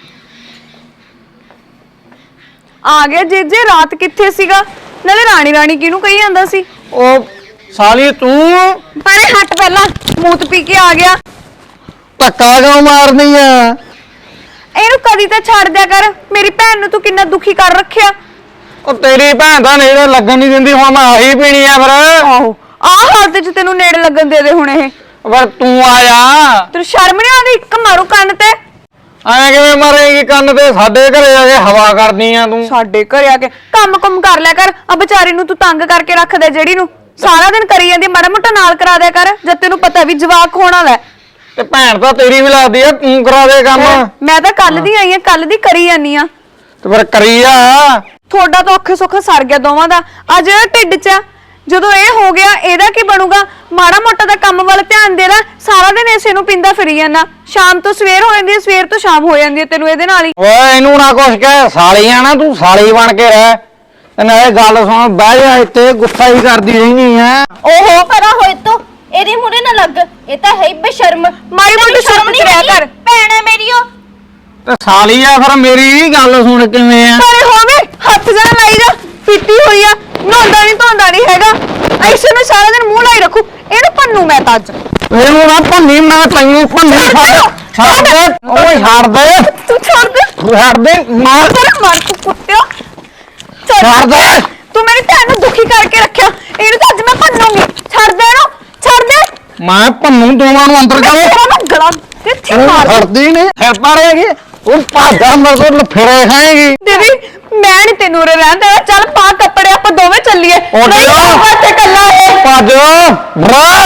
ਆ ਗਿਆ ਜੀਜੇ, ਰਾਤ ਕਿੱਥੇ ਸੀਗਾ? ਨਾਲੇ ਰਾਣੀ ਰਾਣੀ ਕਿਹਨੂੰ ਕਹੀ ਜਾਂਦਾ ਸੀ?
ਉਹ ਸਾਲੀ ਤੂੰ
ਪਰੇ ਹੱਟ, ਪਹਿਲਾਂ ਮੂਤ ਪੀ ਕੇ ਆ ਗਿਆ।
ਧੱਕਾ ਕਿਉਂ ਮਾਰਨੀ ਆ?
ਇਹਨੂੰ ਕਦੀ ਤਾਂ ਛੱਡ ਦਿਆ ਕਰ, ਮੇਰੀ ਭੈਣ ਨੂੰ ਤੂੰ ਕਿੰਨਾ ਦੁਖੀ ਕਰ ਰੱਖਿਆ।
ਉਹ ਤੇਰੀ ਭੈਣ ਤਾਂ ਨੇੜੇ ਲੱਗਣ ਨਹੀਂ ਦਿੰਦੀ, ਹੁਣ ਮੈਂ ਆਹੀ ਪੀਣੀ ਆ ਫਿਰ।
ਆਹੋ ਆਹ ਹਾਲਤ 'ਚ ਤੈਨੂੰ ਨੇੜੇ ਲੱਗਣ ਦੇ ਦੇ ਹੁਣ ਇਹ।
ਪਰ ਤੂੰ ਆਇਆ
ਤੈਨੂੰ ਸ਼ਰਮ ਨਹੀਂ ਆਉਂਦੀ? ਇੱਕ ਮਾਰੂ ਕੰਨ ਤੇ।
ਐਂ ਕਿਵੇਂ ਮਾਰੇਗੀ ਕੰਨ ਤੇ? ਸਾਡੇ ਘਰੇ ਆ ਕੇ ਹਵਾ ਕਰਨੀ ਆ ਤੂੰ।
ਸਾਡੇ ਘਰੇ ਆ ਕੇ ਕੰਮ ਕੁਮ ਕਰ ਲਿਆ ਕਰ। ਆ ਵਿਚਾਰੀ ਨੂੰ ਤੂੰ ਤੰਗ ਕਰਕੇ ਰੱਖਦਾ, ਜਿਹੜੀ ਨੂੰ ਸਾਰਾ ਦਿਨ ਕਰੀ ਜਾਂਦੀ। ਮਾੜਾ ਮੋਟਾ ਨਾਲ ਕਰਾ ਦਿਆ ਕਰ, ਜਦ ਤੈਨੂੰ ਪਤਾ ਵੀ ਜਵਾਕ ਹੋਣ ਵਾਲਾ।
ਤੇ ਭੈਣ ਤਾਂ ਤੇਰੀ ਵੀ ਲੱਗਦੀ ਆ, ਤੂੰ ਕਰਾ ਦੇ ਕੰਮ।
ਮੈਂ ਤਾਂ ਕੱਲ ਦੀ ਆਈ ਆ, ਕੱਲ ਦੀ ਕਰੀ ਜਾਨੀ ਆ।
ਤੇ ਫਿਰ ਕਰੀ ਆ।
ਤੁਹਾਡਾ ਤਾਂ ਔਖੇ ਸੌਖੇ ਸਰ ਗਿਆ ਦੋਵਾਂ ਦਾ। ਆ ਜਿਹੜਾ ਢਿੱਡ 'ਚ ਆ, ਜਦੋਂ ਇਹ ਹੋ ਗਿਆ ਇਹਦਾ ਕੀ ਬਣੂਗਾ? ਮਾੜਾ ਮੋਟਾ ਦਾ ਕੰਮ ਵੱਲ ਧਿਆਨ ਦੇ ਲੈ। ਸਾਰਾ ਦਿਨ ਇਸੇ ਨੂੰ ਪਿੰਦਾ ਫਿਰੀ ਜਾਂਦਾ, ਸ਼ਾਮ ਤੋਂ ਸਵੇਰ ਹੋ ਜਾਂਦੀ ਹੈ, ਸਵੇਰ ਤੋਂ ਸ਼ਾਮ ਹੋ ਜਾਂਦੀ ਹੈ ਤੈਨੂੰ ਇਹਦੇ ਨਾਲ ਹੀ।
ਓਏ ਇਹਨੂੰ ਨਾ ਕੁਛ ਕਹਿ, ਸਾਲੀ ਆ ਨਾ ਤੂੰ, ਸਾਲੀ ਬਣ ਕੇ ਰਹਿ। ਤੇ ਨਾਲੇ ਗੱਲ ਸੁਣ, ਬਹਿ ਜਾ ਇੱਥੇ, ਗੁੱਸਾ ਹੀ ਕਰਦੀ ਰਹਿਣੀ ਆ।
ਓਹੋ ਪਰਾ ਹੋਏ ਤੋ, ਇਹਦੇ ਮੂਹਰੇ ਨਾ ਲੱਗ, ਇਹ ਤਾਂ ਹੈ ਹੀ ਬੇਸ਼ਰਮ।
ਮਾੜੀ ਮੋਟੀ ਸ਼ਰਮ ਚ ਰਿਹਾ ਕਰ।
ਭੈਣ ਹੈ ਮੇਰੀ ਉਹ।
ਤੇ ਸਾਲੀ ਆ ਫਿਰ ਮੇਰੀ ਗੱਲ ਸੁਣ ਕਿਵੇਂ ਆ।
ਪਰੇ ਹੋਵੇ, ਹੱਥ ਜਣਾ ਲਾਈ ਜਾ, ਪੀਤੀ ਹੋਈ ਆ, ਨਹਾਉਂਦਾ ਨਹੀਂ ਧੋਂਦਾ ਨਹੀਂ ਹੈਗਾ, ਐਸੇ ਨੂੰ ਸਾਰਾ ਦਿਨ ਮੂੰਹ ਲਾਈ ਰੱਖੂ। ਇਹਨੂੰ ਭੰਨੂ ਮੈਂ ਤਾਂ ਅੱਜ।
ਇਹਨੂੰ ਨਾ ਭੰਨੀ, ਮੈਂ ਤੈਨੂੰ ਭੰਨੀ। ਛੱਡ ਦੇ ਓਏ, ਛੱਡ ਦੇ,
ਤੂੰ ਛੱਡ ਦੇ,
ਛੱਡ ਦੇ, ਮਾਰ
ਮਾਰ ਤੂੰ ਕੁੱਤਿਆ।
ਛੱਡ ਦੇ।
ਤੂੰ ਮੇਰੀ ਭੈਣ ਨੂੰ ਦੁਖੀ ਕਰਕੇ ਰੱਖਿਆ, ਇਹਨੂੰ ਤਾਂ ਅੱਜ ਮੈਂ ਭੰਨੂੰਗੀ। ਛੱਡ ਦੇ ਇਹਨੂੰ, ਛੱਡ ਦੇ।
ਮੈਂ ਭੰਨੂ ਦੋਵਾਂ ਨੂੰ ਅੰਦਰ ਕਰੋ।
ਤੇਰਾ ਮੈਂ ਗਲਾ ਕਿੱਥੇ ਮਾਰ।
ਛੱਡਦੀ ਨਹੀਂ, ਫਿਰ ਪਾੜੇਗੀ। ਉਹ ਭਾਜਾ ਮੇਰੇ ਕੋਲ ਫੇਰੇ ਖਾਏਗੀ।
ਦੀਦੀ ਮੈਂ ਨਹੀਂ ਤੈਨੂੰ ਉਰੇ ਰਹਿਣ ਦੇਣਾ। ਚੱਲ ਪਾ ਕੱਪੜੇ, ਆਪਾਂ ਦੋਵੇਂ ਚੱਲੀਏ।
ਉੱਠ
ਨਹੀਂ
ਜਾ।
ਆਊਗਾ ਇੱਥੇ ਇਕੱਲਾ ਇਹ।
ਭੱਜ ਬਰਾ।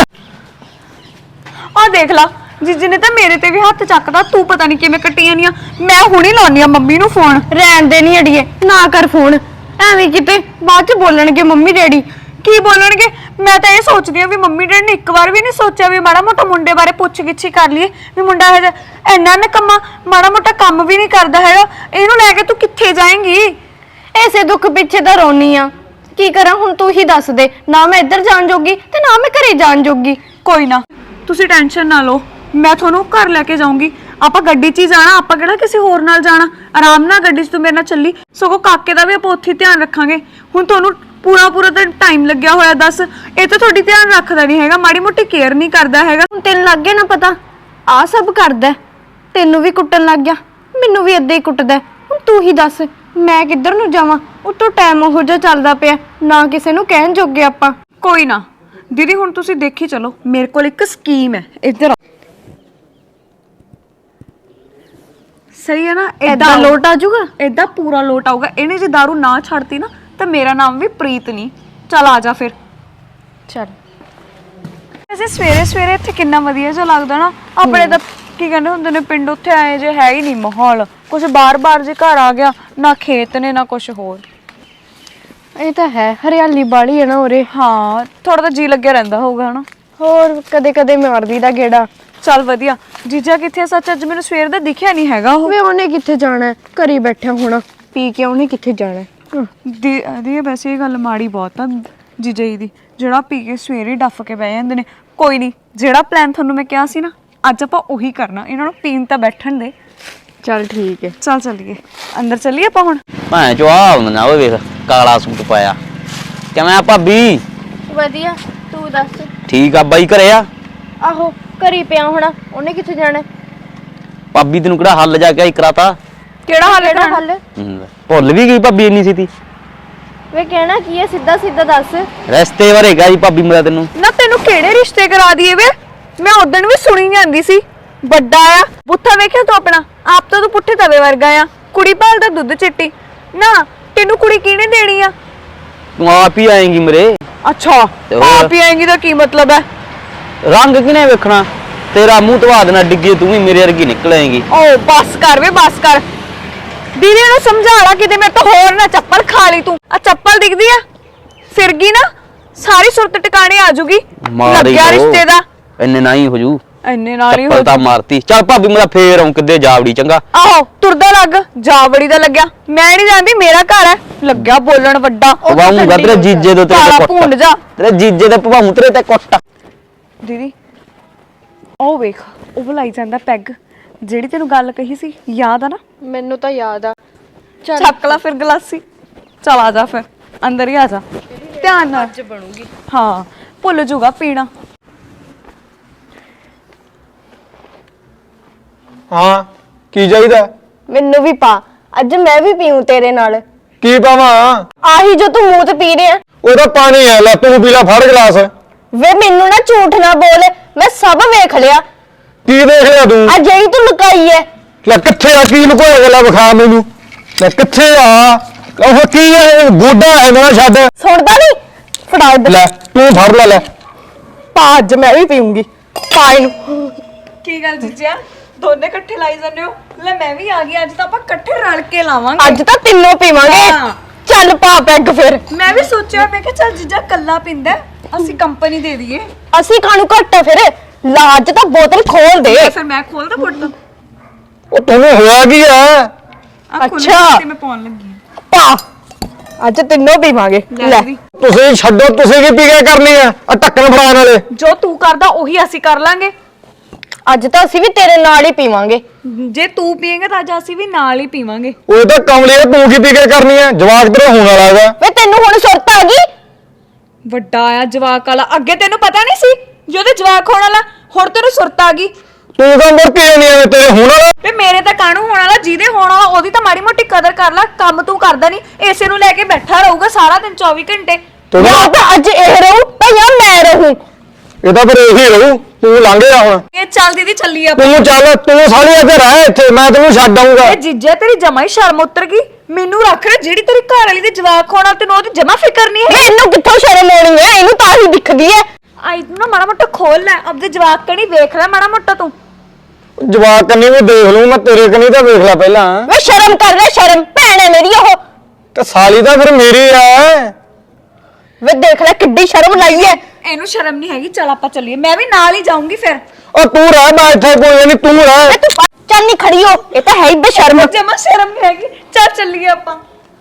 ਆਹ ਦੇਖ ਲਾ, ਜੀਜੀ ਨੇ ਤਾਂ ਮੇਰੇ ਤੇ ਵੀ ਹੱਥ ਚੱਕਦਾ। ਤੂੰ ਪਤਾ ਨਹੀਂ ਕਿਵੇਂ ਕੱਟੀਆਂ ਨੀਆਂ। ਮੈਂ ਹੁਣੀ ਲਾਉਣੀ ਆ ਮੰਮੀ ਨੂੰ ਫੋਨ।
ਰਹਿਣ ਦੇ ਨਹੀਂ ਅੜੀਏ, ਨਾ ਕਰ ਫੋਨ, ਐਵੇਂ ਕਿਤੇ ਬਾਅਦ ਚ ਬੋਲਣਗੇ ਮੰਮੀ ਡੈਡੀ।
ਕੀ ਬੋਲਣਗੇ? ਮੈਂ ਤਾਂ ਇਹ ਸੋਚਦੀ ਆ ਵੀ ਮੰਮੀ ਡੈਡੀ ਨੇ ਇੱਕ ਵਾਰ ਵੀ ਨਹੀਂ ਸੋਚਿਆ ਵੀ ਮਾੜਾ ਮੋਟਾ ਮੁੰਡੇ ਬਾਰੇ ਪੁੱਛ ਗਿੱਛੀ ਕਰ ਲਈਏ, ਵੀ ਮੁੰਡਾ ਇਹ ਇੰਨਾ ਨਿਕੰਮਾ, ਮਾੜਾ ਮੋਟਾ ਕੰਮ ਵੀ ਨਹੀਂ ਕਰਦਾ ਹੈਗਾ। ਇਹਨੂੰ ਲੈ ਕੇ ਤੂੰ ਕਿੱਥੇ ਜਾਏਂਗੀ?
ਐਸੇ ਦੁੱਖ ਪਿੱਛੇ ਤਾਂ ਰੋਣੀ ਆ, ਕੀ ਕਰਾਂ ਹੁਣ ਤੂੰ ਹੀ ਦੱਸ ਦੇ। ਨਾ ਮੈਂ ਇੱਧਰ ਜਾਣ ਜੋਗੀ ਤੇ ਨਾ ਮੈਂ ਘਰੇ ਜਾਣ ਜੋਗੀ।
ਕੋਈ ਨਾ, ਤੁਸੀਂ ਟੈਨਸ਼ਨ ਨਾ ਲਓ, ਮੈਂ ਤੁਹਾਨੂੰ ਘਰ ਲੈ ਕੇ ਜਾਊਂਗੀ। ਆਪਾਂ ਗੱਡੀ 'ਚ ਹੀ ਜਾਣਾ, ਆਪਾਂ ਕਿਹੜਾ ਕਿਸੇ ਹੋਰ ਨਾਲ ਜਾਣਾ। ਆਰਾਮ ਨਾਲ ਗੱਡੀ 'ਚ ਤੂੰ ਮੇਰੇ ਨਾਲ ਚੱਲੀ, ਸਗੋਂ ਕਾਕੇ ਦਾ ਵੀ ਆਪਾਂ ਉੱਥੇ ਧਿਆਨ ਰੱਖਾਂਗੇ। ਹੁਣ ਤੁਹਾਨੂੰ ਪੂਰਾ ਪੂਰਾ ਤਾਂ ਟਾਈਮ ਲੱਗਿਆ ਹੋਇਆ, ਦੱਸ ਇਹ ਤਾਂ ਤੁਹਾਡੀ ਧਿਆਨ ਰੱਖਦਾ ਨਹੀਂ ਹੈਗਾ, ਮਾੜੀ ਮੋਟੀ ਕੇਅਰ ਨਹੀਂ ਕਰਦਾ ਹੈਗਾ।
ਹੁਣ ਤੈਨੂੰ ਲੱਗ ਗਿਆ ਨਾ ਪਤਾ, ਆ ਸਭ ਕਰਦਾ, ਤੈਨੂੰ ਵੀ ਕੁੱਟਣ ਲੱਗ ਗਿਆ, ਮੈਨੂੰ ਵੀ ਏਦਾਂ ਹੀ ਕੁੱਟਦਾ। ਹੁਣ ਤੂੰ ਹੀ ਦੱਸ ਮੈਂ ਕਿੱਧਰ ਨੂੰ ਜਾਵਾਂ? ਉਤੋਂ ਟਾਈਮ ਉਹੋ ਜਿਹਾ ਚੱਲਦਾ ਪਿਆ, ਨਾ ਕਿਸੇ ਨੂੰ ਕਹਿਣ ਜੋਗੇ ਆਪਾਂ।
ਕੋਈ ਨਾ ਦੀਦੀ, ਹੁਣ ਤੁਸੀਂ ਦੇਖੀ ਚਲੋ, ਮੇਰੇ ਕੋਲ ਇੱਕ ਸਕੀਮ ਹੈ। ਇੱਧਰ ਆ। ਸਹੀ ਹੈ ਨਾ?
ਏਦਾਂ ਲੋਟ ਆ ਜਾਊਗਾ?
ਏਦਾਂ ਪੂਰਾ ਲੋਟ ਆਊਗਾ। ਇਹਨੇ ਜੇ ਦਾਰੂ ਨਾ ਛੱਡਤੀ ਨਾ ਤਾਂ ਮੇਰਾ ਨਾਮ ਵੀ ਪ੍ਰੀਤ ਨਹੀਂ। ਚੱਲ ਆ ਜਾ ਫਿਰ।
ਚੱਲ।
ਵੈਸੇ ਸਵੇਰੇ ਸਵੇਰੇ ਇੱਥੇ ਕਿੰਨਾ ਵਧੀਆ ਜਿਹਾ ਲੱਗਦਾ ਨਾ। ਆਪਣੇ ਤਾਂ ਕੀ ਕਹਿੰਦੇ ਹੁੰਦੇ ਨੇ ਪਿੰਡ, ਉੱਥੇ ਆਏ ਜੇ ਹੈ ਹੀ ਨਹੀਂ ਮਾਹੌਲ, ਕੁਝ ਬਾਰ-ਬਾਰ ਜੇ ਘਰ ਆ ਗਿਆ, ਨਾ ਖੇਤ ਨੇ ਨਾ ਕੁਝ ਹੋਰ।
ਇਹ ਤਾਂ ਹੈ, ਹਰਿਆਲੀ ਬਾੜੀ ਹੈ ਨਾ ਉਰੇ।
ਹਾਂ ਥੋੜਾ ਤਾਂ ਜੀ ਲੱਗਿਆ ਰਹਿੰਦਾ ਹੋਊਗਾ ਹਨਾ।
ਹੋਰ ਕਦੇ ਕਦੇ ਮਾਰਦੀ ਦਾ ਗੇੜਾ।
ਚੱਲ ਵਧੀਆ। ਜੀਜਾ ਕਿੱਥੇ ਆ? ਸੱਚ ਅੱਜ ਮੈਨੂੰ ਸਵੇਰ ਦਾ ਦਿਖਿਆ ਨਹੀਂ ਹੈਗਾ ਉਹ।
ਵੇ ਉਹਨੇ ਕਿੱਥੇ ਜਾਣਾ ਹੈ, ਘਰੇ ਬੈਠਾ ਹੋਣਾ ਪੀ ਕੇ, ਉਹਨੇ ਕਿੱਥੇ ਜਾਣਾ ਹੈ।
ਦੀ ਦੀ ਵੈਸੇ ਇਹ ਗੱਲ ਮਾੜੀ ਬਹੁਤ ਆ ਜੀਜਾ ਜੀ ਦੀ, ਜਿਹੜਾ ਪੀ ਕੇ ਸਵੇਰੇ ਡੱਫ ਕੇ ਬਹਿ ਜਾਂਦੇ ਨੇ। ਕੋਈ ਨਹੀਂ, ਜਿਹੜਾ ਪਲਾਨ ਤੁਹਾਨੂੰ ਮੈਂ ਕਿਹਾ ਸੀ ਨਾ, ਅੱਜ ਆਪਾਂ ਉਹੀ ਕਰਨਾ। ਇਹਨਾਂ ਨੂੰ ਪੀਣ ਤਾਂ ਬੈਠਣ ਦੇ।
ਚੱਲ ਠੀਕ ਹੈ,
ਚੱਲ ਚੱਲੀਏ ਅੰਦਰ, ਚੱਲੀਏ ਆਪਾਂ ਹੁਣ।
ਭਾਂ ਚੋ ਆ ਨਾ ਓਏ ਵੇਖ ਕਾਲਾ ਸੂਟ ਪਾਇਆ। ਕਿਵੇਂ ਆ ਭਾਬੀ?
ਵਧੀਆ, ਤੂੰ ਦੱਸ।
ਠੀਕ ਆ ਬਾਈ, ਘਰੇ ਆ?
ਆਹੋ ਘਰੇ ਪਿਆ ਹੋਣਾ, ਉਹਨੇ ਕਿੱਥੇ ਜਾਣਾ।
ਭਾਬੀ ਤੈਨੂੰ ਕਿਹੜਾ ਹੱਲ ਜਾ ਕੇ ਆਈ ਕਰਾਤਾ?
ਕਿਹੜਾ ਹਾਲ
ਕਿਹੜਾ
ਹੈ?
ਹੱਲ?
ਹੂੰ, ਭੁੱਲ ਵੀ ਗਈ ਭਾਬੀ ਇੰਨੀ ਸੀਤੀ।
ਵੇ ਕਹਿਣਾ ਕੀ ਹੈ, ਸਿੱਧਾ ਸਿੱਧਾ ਦੱਸ।
ਰਸਤੇ ਵਰੇਗਾ ਜੀ ਭਾਬੀ ਮੇਰਾ ਤੈਨੂੰ।
ਨਾ ਤੈਨੂੰ ਕਿਹੜੇ ਰਿਸ਼ਤੇ ਕਰਾ ਦਈਏ ਵੇ? ਮੈਂ ਉਦਣ ਵੀ ਸੁਣੀ ਜਾਂਦੀ ਸੀ, ਵੱਡਾ ਆ ਬੁੱਥਾ ਵੇਖਿਆ ਤੂੰ ਆਪਣਾ ਆਪ ਤਾਂ ਤੂੰ ਪੁੱਠੇ ਤਵੇ ਵਰਗਾ ਆ। ਕੁੜੀ ਭਾਲਦਾ ਦੁੱਧ ਚਿੱਟੀ ਨਾ, ਤੈਨੂੰ ਕੁੜੀ ਕਿਹਨੇ ਦੇਣੀ ਆ?
ਤੂੰ ਆਪ ਹੀ ਆਏਂਗੀ ਮੇਰੇ।
ਅੱਛਾ
ਤੇ ਹੋਰ?
ਆਪ ਹੀ ਆਏਂਗੀ ਤਾਂ ਕੀ ਮਤਲਬ ਹੈ?
ਰੰਗ ਕਿਨੇ ਵੇਖਣਾ? ਤੇਰਾ ਮੂੰਹ ਧਵਾ ਦੇਣਾ ਡਿੱਗੇ, ਤੂੰ ਵੀ ਮੇਰੇ ਵਰਗੀ ਨਿਕਲ ਆਏਂਗੀ।
ਓ ਬਸ ਕਰ ਵੇ, ਬਸ ਕਰ। ਦੀਦੀ ਨੂੰ ਸਮਝਾ ਲਾ ਕਿਤੇ ਮੇਰੇ ਤੋਂ ਹੋਰ ਨਾ ਚੱਪਲ ਖਾ ਲਈ ਤੂੰ। ਆ ਚੱਪਲ ਦਿਖਦੀ ਆ, ਫਿਰ ਗਈ ਨਾ ਸਾਰੀ ਸੁਰਤ ਟਿਕਾਣੇ ਆ ਜੂਗੀ। ਲੱਗਿਆ ਰਿਸ਼ਤੇ ਦਾ
ਇੰਨੇ ਨਾ ਹੀ ਹੋ ਜੂ।
ਇੰਨੇ ਨਾਲ ਹੀ ਹੋ
ਚੱਪਲ ਤਾਂ ਮਾਰਤੀ। ਚੱਲ ਭਾਬੀ ਮੇਰਾ ਫੇਰ ਆਉਂ ਕਿੱਦੇ ਜਾਵੜੀ ਚੰਗਾ।
ਆਹੋ ਤੁਰਦਾ ਲੱਗ, ਜਾ ਬੜੀ ਦਾ ਲੱਗਿਆ। ਮੈਂ ਨਹੀਂ ਜਾਂਦੀ, ਮੇਰਾ ਘਰ ਹੈ। ਲੱਗਿਆ ਬੋਲਣ ਵੱਡਾ।
ਪਵਾਉਂਗਾ ਤੇਰੇ ਜੀਜੇ ਦੇ
ਕਾਲਾ
ਤੇਰੇ
ਭੁੰਡ
ਕੁੱਟ।
ਜਾ।
ਤੇਰੇ ਜੀਜੇ ਦੇ ਪਵਾਉਂ ਤੇਰੇ ਤੇ ਕੁੱਟ।
ਦੀਦੀ ਉਹ ਵੇਖ, ਉਹ ਬੁਲਾਈ ਜਾਂਦਾ ਪੈਗ। ਜਿਹੜੀ ਤੈਨੂੰ ਗੱਲ ਕਹੀ ਸੀ ਯਾਦ ਆ ਨਾ?
ਮੈਨੂੰ ਤਾਂ ਯਾਦ ਆ।
ਚੱਕ ਲਾ ਫਿਰ ਗਲਾਸੀ। ਚਲ ਆ ਜਾ ਫਿਰ ਅੰਦਰ ਹੀ ਆ ਜਾ, ਧਿਆਨ ਨਾਲ। ਅੱਜ ਬਣੂਗੀ। ਹਾਂ ਭੁੱਲ ਜੂਗਾ ਪੀਣਾ।
ਹਾਂ ਕੀ ਚਾਹੀਦਾ?
ਮੈਨੂੰ ਵੀ ਪਾ, ਅੱਜ ਮੈਂ ਵੀ ਪੀਉ ਤੇਰੇ ਨਾਲ।
ਕੀ ਪਾਵਾਂ?
ਆਹੀ ਜੋ ਤੂੰ ਮੂੰਹ ਤੇ ਪੀ ਰਿਹਾ।
ਉਹਦਾ ਪਾਣੀ ਹੈ, ਲੈ ਤੂੰ ਪੀ ਲੈ, ਫੜ ਗਲਾਸ।
ਵੇ ਮੈਨੂੰ ਨਾ ਝੂਠ ਨਾ ਬੋਲ, ਮੈਂ ਸਭ ਵੇਖ ਲਿਆ।
ਕੀ ਦੇਖ ਲਿਆ ਤੂੰ?
ਆ ਜਿਹੜੀ ਤੂੰ ਲੁਕਾਈ ਐ।
ਲੈ ਕਿੱਥੇ ਆ? ਕੀ ਲੁਕੋਇਆ ਗੱਲਾਂ ਵਿਖਾ ਮੈਨੂੰ। ਲੈ ਕਿੱਥੇ ਆ? ਉਹ ਕੀ ਹੈ? ਗੋਡਾ ਹੈ ਮੇਰਾ, ਛੱਡ।
ਸੁਣਦਾ ਨਹੀਂ? ਫੜਾ ਇੱਧਰ।
ਲੈ ਤੂੰ ਫੜ ਲੈ। ਲੈ
ਪਾ, ਅੱਜ ਮੈਂ ਵੀ ਪੀਉਂਗੀ। ਪਾ ਇਹਨੂੰ।
ਕੀ ਗੱਲ ਜੀਜਾ, ਦੋਨੇ ਇਕੱਠੇ ਲਾਈ ਜਾਂਦੇ ਹੋ? ਲੈ ਮੈਂ ਵੀ ਆ ਗਈ, ਅੱਜ ਤਾਂ ਆਪਾਂ ਇਕੱਠੇ ਰਲ ਕੇ ਲਾਵਾਂਗੇ।
ਅੱਜ ਤਾਂ ਤਿੰਨੋਂ ਪੀਵਾਂਗੇ।
ਹਾਂ।
ਚੱਲ ਪਾ ਪੈਗ ਫਿਰ।
ਮੈਂ ਵੀ ਸੋਚਿਆ, ਮੈਂ ਕਿਹਾ ਚੱਲ ਜੀਜਾ ਕੱਲਾ ਪੀਂਦਾ, ਅਸੀਂ ਕੰਪਨੀ ਦੇ ਦਈਏ।
ਅਸੀਂ ਕਾਹਨੂੰ ਘੱਟ ਆ ਫਿਰ? ਲਾਜ ਤਾਂ ਬੋਤਲ ਖੋਲ ਦੇ।
ਫਿਰ ਮੈਂ ਖੋਲਦਾ ਫੁੱਟ।
ਉਹ ਤੈਨੂੰ ਹੋਇਆ ਕੀ ਹੈ?
ਅੱਛਾ।
ਤੇ ਮੈਂ ਪਾਉਣ ਲੱਗੀ ਹਾਂ।
ਪਾ, ਅੱਜ ਤਿੰਨੋਂ ਪੀਵਾਂਗੇ।
ਲੈ
ਲੈ
ਦੀਦੀ,
ਤੁਸੀਂ ਛੱਡੋ, ਤੁਸੀਂ ਕੀ ਪੀ ਕੇ ਕਰਨੀ ਆ? ਆ ਢੱਕਣ ਫੜਾਉਣ ਵਾਲੇ।
ਜੋ ਤੂੰ ਕਰਦਾ ਉਹੀ ਅਸੀਂ ਕਰ ਲਾਂਗੇ।
ਅੱਜ ਤਾਂ ਅਸੀਂ ਵੀ ਤੇਰੇ ਨਾਲ ਹੀ ਪੀਵਾਂਗੇ।
ਜੇ ਤੂੰ ਪੀਏਂਗਾ ਤਾਂ ਅੱਜ ਅਸੀਂ ਵੀ ਨਾਲ ਹੀ ਪੀਵਾਂਗੇ।
ਉਹ ਤਾਂ ਕਮਲੀ ਆ, ਤੂੰ ਕੀ ਪੀ ਕੇ ਕਰਨੀ ਆ? ਜਵਾਕ ਤੇਰਾ ਹੋਣ ਵਾਲਾ ਹੈਗਾ।
ਵੇ ਤੈਨੂੰ ਹੁਣ ਸੁਰਤ ਆ ਗਈ?
ਵੱਡਾ ਆ ਜਵਾਕ ਵਾਲਾ, ਅੱਗੇ ਤੈਨੂੰ ਪਤਾ ਨਹੀਂ ਸੀ ਜੇ ਉਹਦੇ ਜਵਾਕ ਹੋਣ ਵਾਲਾ, ਹੁਣ ਤੈਨੂੰ ਸੁਰਤ ਆ ਗਈ।
ਤੂੰ ਤਾਂ ਮੁਰਕੀ ਜਾਨੀ ਐ ਤੇਰੇ ਹੋਣ ਵਾਲਾ।
ਵੇ ਮੇਰੇ ਤਾਂ ਕਾਹਨੂੰ ਹੋਣ ਵਾਲਾ, ਜਿਹਦੇ ਹੋਣ ਵਾਲਾ ਉਹਦੀ ਤਾਂ ਮਾੜੀ ਮੋਟੀ ਕਦਰ ਕਰ ਲੈ। ਕੰਮ ਤੂੰ ਕਰਦਾ ਨਹੀਂ, ਇਸੇ ਨੂੰ ਲੈ ਕੇ ਬੈਠਾ ਰਹੂਗਾ ਸਾਰਾ ਦਿਨ ਚੌਵੀ ਘੰਟੇ।
ਜਾਂ ਤਾਂ ਅੱਜ ਇਹ ਰਹੂ ਤੇ ਜਾਂ ਮੈਂ ਰਹੂੰ।
ਇਹ ਤਾਂ ਫਿਰ ਇਹੀ ਰਹੂ। ਤੂੰ ਲੰਘ ਜਾ ਹੁਣ।
ਇਹ ਚੱਲ ਦੀਦੀ ਚੱਲੀ ਆਪਾਂ।
ਤੂੰ ਚੱਲ, ਤੂੰ ਸਾਲੀ ਇੱਥੇ ਰਹਿ, ਇੱਥੇ ਮੈਂ ਤੈਨੂੰ ਛੱਡ ਆਊਂਗਾ।
ਇਹ ਜੀਜੇ ਤੇਰੀ ਜਮਾ ਹੀ ਸ਼ਰਮ ਉਤਰ ਗਈ। ਮੈਨੂੰ ਰੱਖ ਲੈ, ਜਿਹੜੀ ਤੇਰੀ ਘਰ ਵਾਲੀ ਦੇ ਜਵਾਕ ਹੋਣਾ ਤੈਨੂੰ ਉਹਦੀ ਜਮਾ ਫਿਕਰ ਨਹੀਂ ਹੈ।
ਮੈਨੂੰ ਕਿੱਥੋਂ ਸ਼ਰਮ ਆਉਣੀ ਹੈ? ਇਹਨੂੰ ਤਾਂ ਹੀ ਦਿਖਦੀ ਹੈ।
ਆਈ ਤੂੰ ਨਾ ਮਾੜਾ ਮੋਟਾ ਖੋਲ ਲੈ, ਆਪਦੇ ਜਵਾਕ ਕਣੀ ਵੇਖ ਲੈ ਮਾੜਾ ਮੋਟਾ ਤੂੰ।
ਜਵਾਕ ਕੰਨੀ ਵੀ ਦੇਖ ਲੂੰ ਮੈਂ, ਤੇਰੇ ਕੰਨੀ ਤਾਂ ਵੇਖ ਲੈ ਪਹਿਲਾਂ।
ਵੇ ਸ਼ਰਮ ਕਰ ਲੈ, ਸ਼ਰਮ ਭੈਣ ਹੈ ਮੇਰੀ ਉਹ।
ਤੇ ਸਾਲੀ ਤਾਂ ਫਿਰ ਮੇਰੀ ਆ।
ਵੇ ਦੇਖ ਲੈ ਕਿੱਡੀ ਸ਼ਰਮ ਲਾਈ ਹੈ।
ਇਹਨੂੰ ਸ਼ਰਮ ਨਹੀਂ ਹੈਗੀ। ਚੱਲ ਆਪਾਂ ਚੱਲੀਏ, ਮੈਂ ਵੀ ਨਾਲ ਹੀ ਜਾਊਂਗੀ ਫਿਰ।
ਉਹ ਤੂੰ ਰਹਿ, ਮੈਂ ਇੱਥੇ ਕੋਈ ਨਹੀਂ, ਤੂੰ ਰਹਿ।
ਵੇ ਤੂੰ ਚੱਲ ਨਹੀਂ ਖੜੀ ਹੋ, ਇਹ ਤਾਂ ਹੈ ਹੀ ਬੇਸ਼ਰਮ।
ਜਮਾ ਸ਼ਰਮ ਨਹੀਂ ਹੈਗੀ। ਚੱਲ ਚੱਲੀਏ ਆਪਾਂ।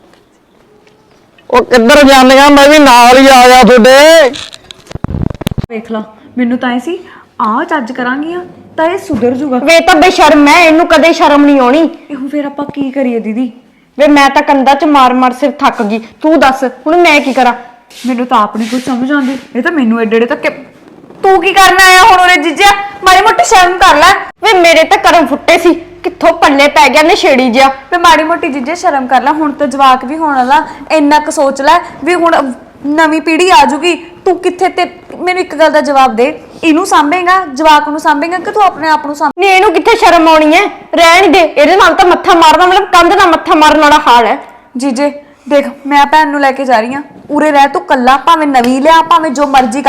ਉਹ ਕਿੱਧਰ ਜਾਂਦੀਆਂ? ਮੈਂ ਵੀ ਨਾਲ ਹੀ ਆ ਗਿਆ ਤੁਹਾਡੇ।
ਵੇਖ ਲਾ, ਮੈਨੂੰ ਤਾਂ ਐ ਸੀ ਆ ਚੱਜ ਕਰਾਂਗੀਆਂ ਤਾਂ ਇਹ ਸੁਧਰ ਜੂਗਾ।
ਵੇ ਤਾਂ ਬੇਸ਼ਰਮ ਹੈ, ਇਹਨੂੰ ਕਦੇ ਸ਼ਰਮ ਨਹੀਂ ਆਉਣੀ।
ਇਹੋ ਫਿਰ ਆਪਾਂ ਕੀ ਕਰੀਏ ਦੀਦੀ?
ਵੇ ਮੈਂ ਤਾਂ ਕੰਧਾਂ 'ਚ ਮਾਰ ਮਾਰ ਸਿਰ ਥੱਕ ਗਈ। ਤੂੰ ਦੱਸ ਹੁਣ ਮੈਂ ਕੀ ਕਰਾਂ?
ਮੈਨੂੰ ਤਾਂ ਆਪ ਨਹੀਂ ਕੁਝ ਸਮਝ ਆਉਂਦੀ। ਇਹ ਤਾਂ ਮੈਨੂੰ ਏਡੇ ਏਡੇ ਤੱਕ ਤੂੰ ਕੀ ਕਰਨ ਆਇਆ ਹੁਣ ਉਰੇ ਜੀਜਾ? ਮਾੜੀ ਮੋਟੀ ਸ਼ਰਮ ਕਰ ਲੈ।
ਵੇ ਮੇਰੇ ਤਾਂ ਕਰਮ ਫੁੱਟੇ ਸੀ, ਕਿੱਥੋਂ ਪੱਲੇ ਪੈ ਗਿਆ ਨਸ਼ੇੜੀ ਜਿਹਾ।
ਤੇ ਮਾੜੀ ਮੋਟੀ ਜੀਜੇ ਸ਼ਰਮ ਕਰ ਲੈ। ਹੁਣ ਤਾਂ ਜਵਾਕ ਵੀ ਹੋਣ ਵਾਲਾ, ਇੰਨਾ ਕੁ ਸੋਚ ਲੈ ਵੀ ਹੁਣ ਨਵੀਂ ਪੀੜ੍ਹੀ ਆ ਜੂਗੀ। ਤੂੰ ਕਿੱਥੇ? ਤੇ ਮੈਨੂੰ ਇੱਕ ਗੱਲ ਦਾ ਜਵਾਬ ਦੇ, ਇਹਨੂੰ ਸਾਂਭੇਗਾ, ਜਵਾਕ ਨੂੰ ਸਾਂਭੇਗਾ ਕਿ ਤੂੰ ਆਪਣੇ ਆਪ ਨੂੰ ਸਾਂਭ?
ਨਹੀਂ ਇਹਨੂੰ ਕਿੱਥੇ ਸ਼ਰਮ ਆਉਣੀ ਹੈ? ਰਹਿਣ ਦੇ, ਇਹਦੇ ਨਾਲ ਤਾਂ ਮੱਥਾ ਮਾਰਨਾ ਮਤਲਬ ਕੰਧ ਨਾਲ ਮੱਥਾ ਮਾਰਨ ਵਾਲਾ ਹਾਲ ਹੈ।
ਜੀਜੇ ਦੇਖ, ਮੈਂ ਭੈਣ ਨੂੰ ਲੈ ਕੇ ਜਾ ਰਹੀ ਹਾਂ, ਉਰੇ ਰਹਿ ਤੂੰ ਕੱਲਾ, ਭਾਵੇਂ ਨਵੀਂ ਲਿਆ ਭਾਵੇਂ ਜੋ ਮਰਜ਼ੀ ਕਰ,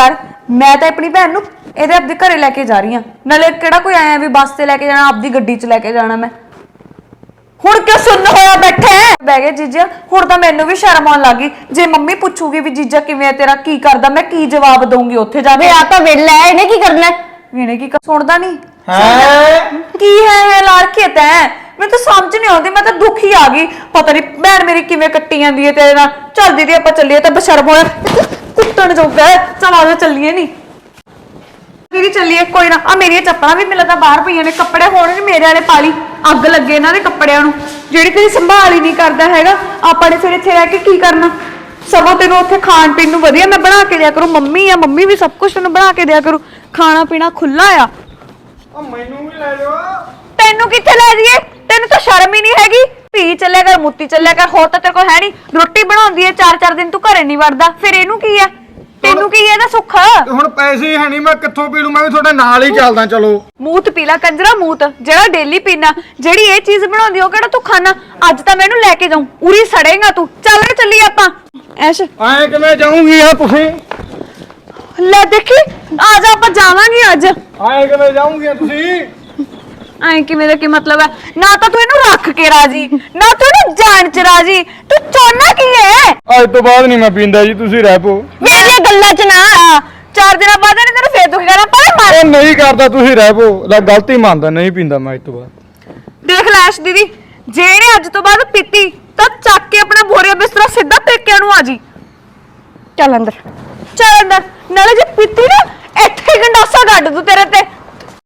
ਮੈਂ ਤਾਂ ਆਪਣੀ ਭੈਣ ਨੂੰ ਇਹਦੇ ਆਪਦੇ ਘਰੇ ਲੈ ਕੇ ਜਾ ਰਹੀ ਆ। ਨਾਲੇ ਕਿਹੜਾ ਕੋਈ ਆਇਆ ਵੀ ਬੱਸ ਤੇ ਲੈ ਕੇ ਜਾਣਾ, ਆਪਦੀ ਗੱਡੀ 'ਚ ਲੈ ਕੇ ਜਾਣਾ ਮੈਂ। ਹੁਣ ਕਿਉਂ ਸੁੰਨ ਹੋਇਆ ਬੈਠੇ ਬਹਿ ਗਏ ਜੀਜਾ। ਹੁਣ ਤਾਂ ਮੈਨੂੰ ਵੀ ਸ਼ਰਮ ਆਉਣ ਲੱਗੀ। ਜੇ ਮੰਮੀ ਪੁੱਛੂਗੀ ਵੀ ਜੀਜਾ ਕਿਵੇਂ ਆ ਤੇਰਾ, ਕੀ ਕਰਦਾ, ਮੈਂ ਕੀ ਜਵਾਬ ਦਊਂਗੀ ਉੱਥੇ ਜਾ ਕੇ?
ਵੇ ਆ ਤਾਂ ਵੇਲਾ ਹੈ, ਇਹਨੇ ਕੀ ਕਰਨਾ ਹੈ?
ਇਹਨੇ ਕੀ ਕਰ- ਸੁਣਦਾ ਨਹੀਂ
ਹੈ
ਕੀ ਹੈ ਹੈ ਲਾਰਖੇ ਤੈਂ? ਮੈਨੂੰ ਤਾਂ ਸਮਝ ਨਹੀਂ ਆਉਂਦੀ, ਮੈਂ ਤਾਂ ਦੁਖੀ ਆ ਗਈ। ਪਤਾ ਨਹੀਂ ਭੈਣ ਮੇਰੀ ਕਿਵੇਂ ਕੱਟੀ ਜਾਂਦੀ ਹੈ ਤੇਰੇ ਨਾਲ। ਚੱਲ ਦੀਦੀ ਆਪਾਂ ਚੱਲੀਏ, ਤਾਂ ਬਸ਼ਰਮ ਹੋਇਆ ਕੁੱਟਣ ਜੋਗਾ ਹੈ। ਚੱਲ ਆ ਜਾ ਚੱਲੀਏ। ਨਹੀਂ ਦੀਦੀ ਚੱਲੀਏ, ਕੋਈ ਨਾ। ਆ ਮੇਰੀਆਂ ਚੱਪਲਾਂ ਵੀ ਮਿਲਦਾ ਬਾਹਰ ਪਈਆਂ ਨੇ, ਕੱਪੜੇ ਹੋਣਗੇ ਮੇਰੇ ਵਾਲੇ ਪਾ ਲਈ। ਅੱਗ ਲੱਗੇ ਇਹਨਾਂ ਦੇ ਕੱਪੜਿਆਂ ਨੂੰ, ਜਿਹੜੀ ਤੇਰੀ ਸੰਭਾਲ ਹੀ ਨਹੀਂ ਕਰਦਾ ਹੈਗਾ। ਆਪਾਂ ਨੇ ਫਿਰ ਇੱਥੇ ਰਹਿ ਕੇ ਕੀ ਕਰਨਾ? ਸਗੋਂ ਤੈਨੂੰ ਉੱਥੇ ਖਾਣ ਪੀਣ ਨੂੰ ਵਧੀਆ ਮੈਂ ਬਣਾ ਕੇ ਦਿਆ ਕਰੂ। ਮੰਮੀ ਆ, ਮੰਮੀ ਵੀ ਸਭ ਕੁਝ ਤੈਨੂੰ ਬਣਾ ਕੇ ਦਿਆ ਕਰੂ। ਖਾਣਾ ਪੀਣਾ ਖੁੱਲਾ ਆ।
ਉਹ ਮੈਨੂੰ ਵੀ ਲੈ ਜਾਓ।
ਤੈਨੂੰ ਕਿੱਥੇ ਲੈ ਜਾਈਏ? ਤੈਨੂੰ ਤਾਂ ਸ਼ਰਮ ਹੀ ਨਹੀਂ ਹੈਗੀ। ਧੀ ਚੱਲਿਆ ਕਰ, ਮੁੱਤੀ ਚੱਲਿਆ ਕਰ, ਹੋਰ ਤਾਂ ਤੇਰੇ ਕੋਲ ਹੈ ਨਹੀਂ। ਰੋਟੀ ਬਣਾਉਂਦੀ ਹੈ ਚਾਰ ਚਾਰ ਦਿਨ, ਤੂੰ ਘਰੇ ਨਹੀਂ ਵੜਦਾ। ਫਿਰ ਇਹਨੂੰ ਕੀ ਆ? ਤੈਨੂੰ ਕੀ ਇਹਦਾ ਸੁੱਖ?
ਤੇ ਹੁਣ ਪੈਸੇ ਹੈ ਨਹੀਂ, ਮੈਂ ਕਿੱਥੋਂ ਪੀ ਲੂ? ਮੈਂ ਵੀ ਤੁਹਾਡੇ ਨਾਲ ਹੀ ਚੱਲਦਾ। ਚਲੋ
ਮੂਤ ਪੀਲਾ ਕੰਜਰਾ, ਮੂਤ ਜਿਹੜਾ ਡੇਲੀ ਪੀਣਾ। ਜਿਹੜੀ ਇਹ ਚੀਜ਼ ਬਣਾਉਂਦੀ ਉਹ ਕਿਹੜਾ ਤੂੰ ਖਾਣਾ? ਅੱਜ ਤਾਂ ਮੈਨੂੰ ਲੈ ਕੇ ਜਾਊਂ, ਉਰੀ ਸੜੇਗਾ ਤੂੰ। ਚੱਲ ਰੇ ਚੱਲੀ ਆਪਾਂ। ਐਸ਼
ਐਂ ਕਿਵੇਂ ਜਾਊਂਗੀ ਆ ਤੁਸੀਂ?
ਲੈ ਦੇਖੀ, ਆ ਜਾ ਆਪਾਂ ਜਾਵਾਂਗੇ ਅੱਜ।
ਐਂ ਕਿਵੇਂ ਜਾਊਂਗੀ ਤੁਸੀਂ?
ਐਂ ਕਿਵੇਂ ਦਾ ਕੀ ਮਤਲਬ ਹੈ? ਨਾ ਤਾਂ ਤੂੰ ਇਹਨੂੰ ਰੱਖ ਕੇ ਰਾਜੀ, ਨਾ ਤੂੰ ਇਹਨੂੰ ਜਾਣ ਚ ਰਾਜੀ। ਤੂੰ ਚਾਹੁੰਦਾ ਕੀ ਹੈ?
ਅੱਜ ਤੋਂ ਬਾਅਦ ਨਹੀਂ ਮੈਂ ਪੀਂਦਾ ਜੀ, ਤੁਸੀਂ ਰਹਿ ਪੋ।
ਮੇਰੀਆਂ ਗੱਲਾਂ ਚ ਨਾ ਆ। ਚਾਰ ਦਿਨਾਂ ਬਾਅਦ ਇਹਨੇ ਤੈਨੂੰ ਫੇਰ ਦੁਖੀ ਕਰਨਾ। ਪਰ ਮਾਰ
ਉਹ ਨਹੀਂ ਕਰਦਾ, ਤੁਸੀਂ ਰਹਿ ਪੋ। ਲੈ ਗਲਤੀ ਮੰਨਦਾ, ਨਹੀਂ ਪੀਂਦਾ ਮੈਂ ਅੱਜ ਤੋਂ ਬਾਅਦ।
ਦੇਖ ਲੈਸ਼ ਦੀਦੀ, ਜੇ ਇਹਨੇ ਅੱਜ ਤੋਂ ਬਾਅਦ ਪੀਤੀ ਤਾਂ ਚੱਕ ਕੇ ਆਪਣਾ ਬੋਰੀਆ ਬਿਸਤਰਾ ਸਿੱਧਾ ਪੇਕਿਆਂ ਨੂੰ ਆ ਜੀ।
ਚੱਲ ਅੰਦਰ।
ਚੱਲ ਅੰਦਰ। ਨਾਲੇ ਜੇ ਪੀਤੀ ਨਾ ਇੱਥੇ ਗੰਡਾਸਾ ਕੱਢ ਦੂ ਤੇਰੇ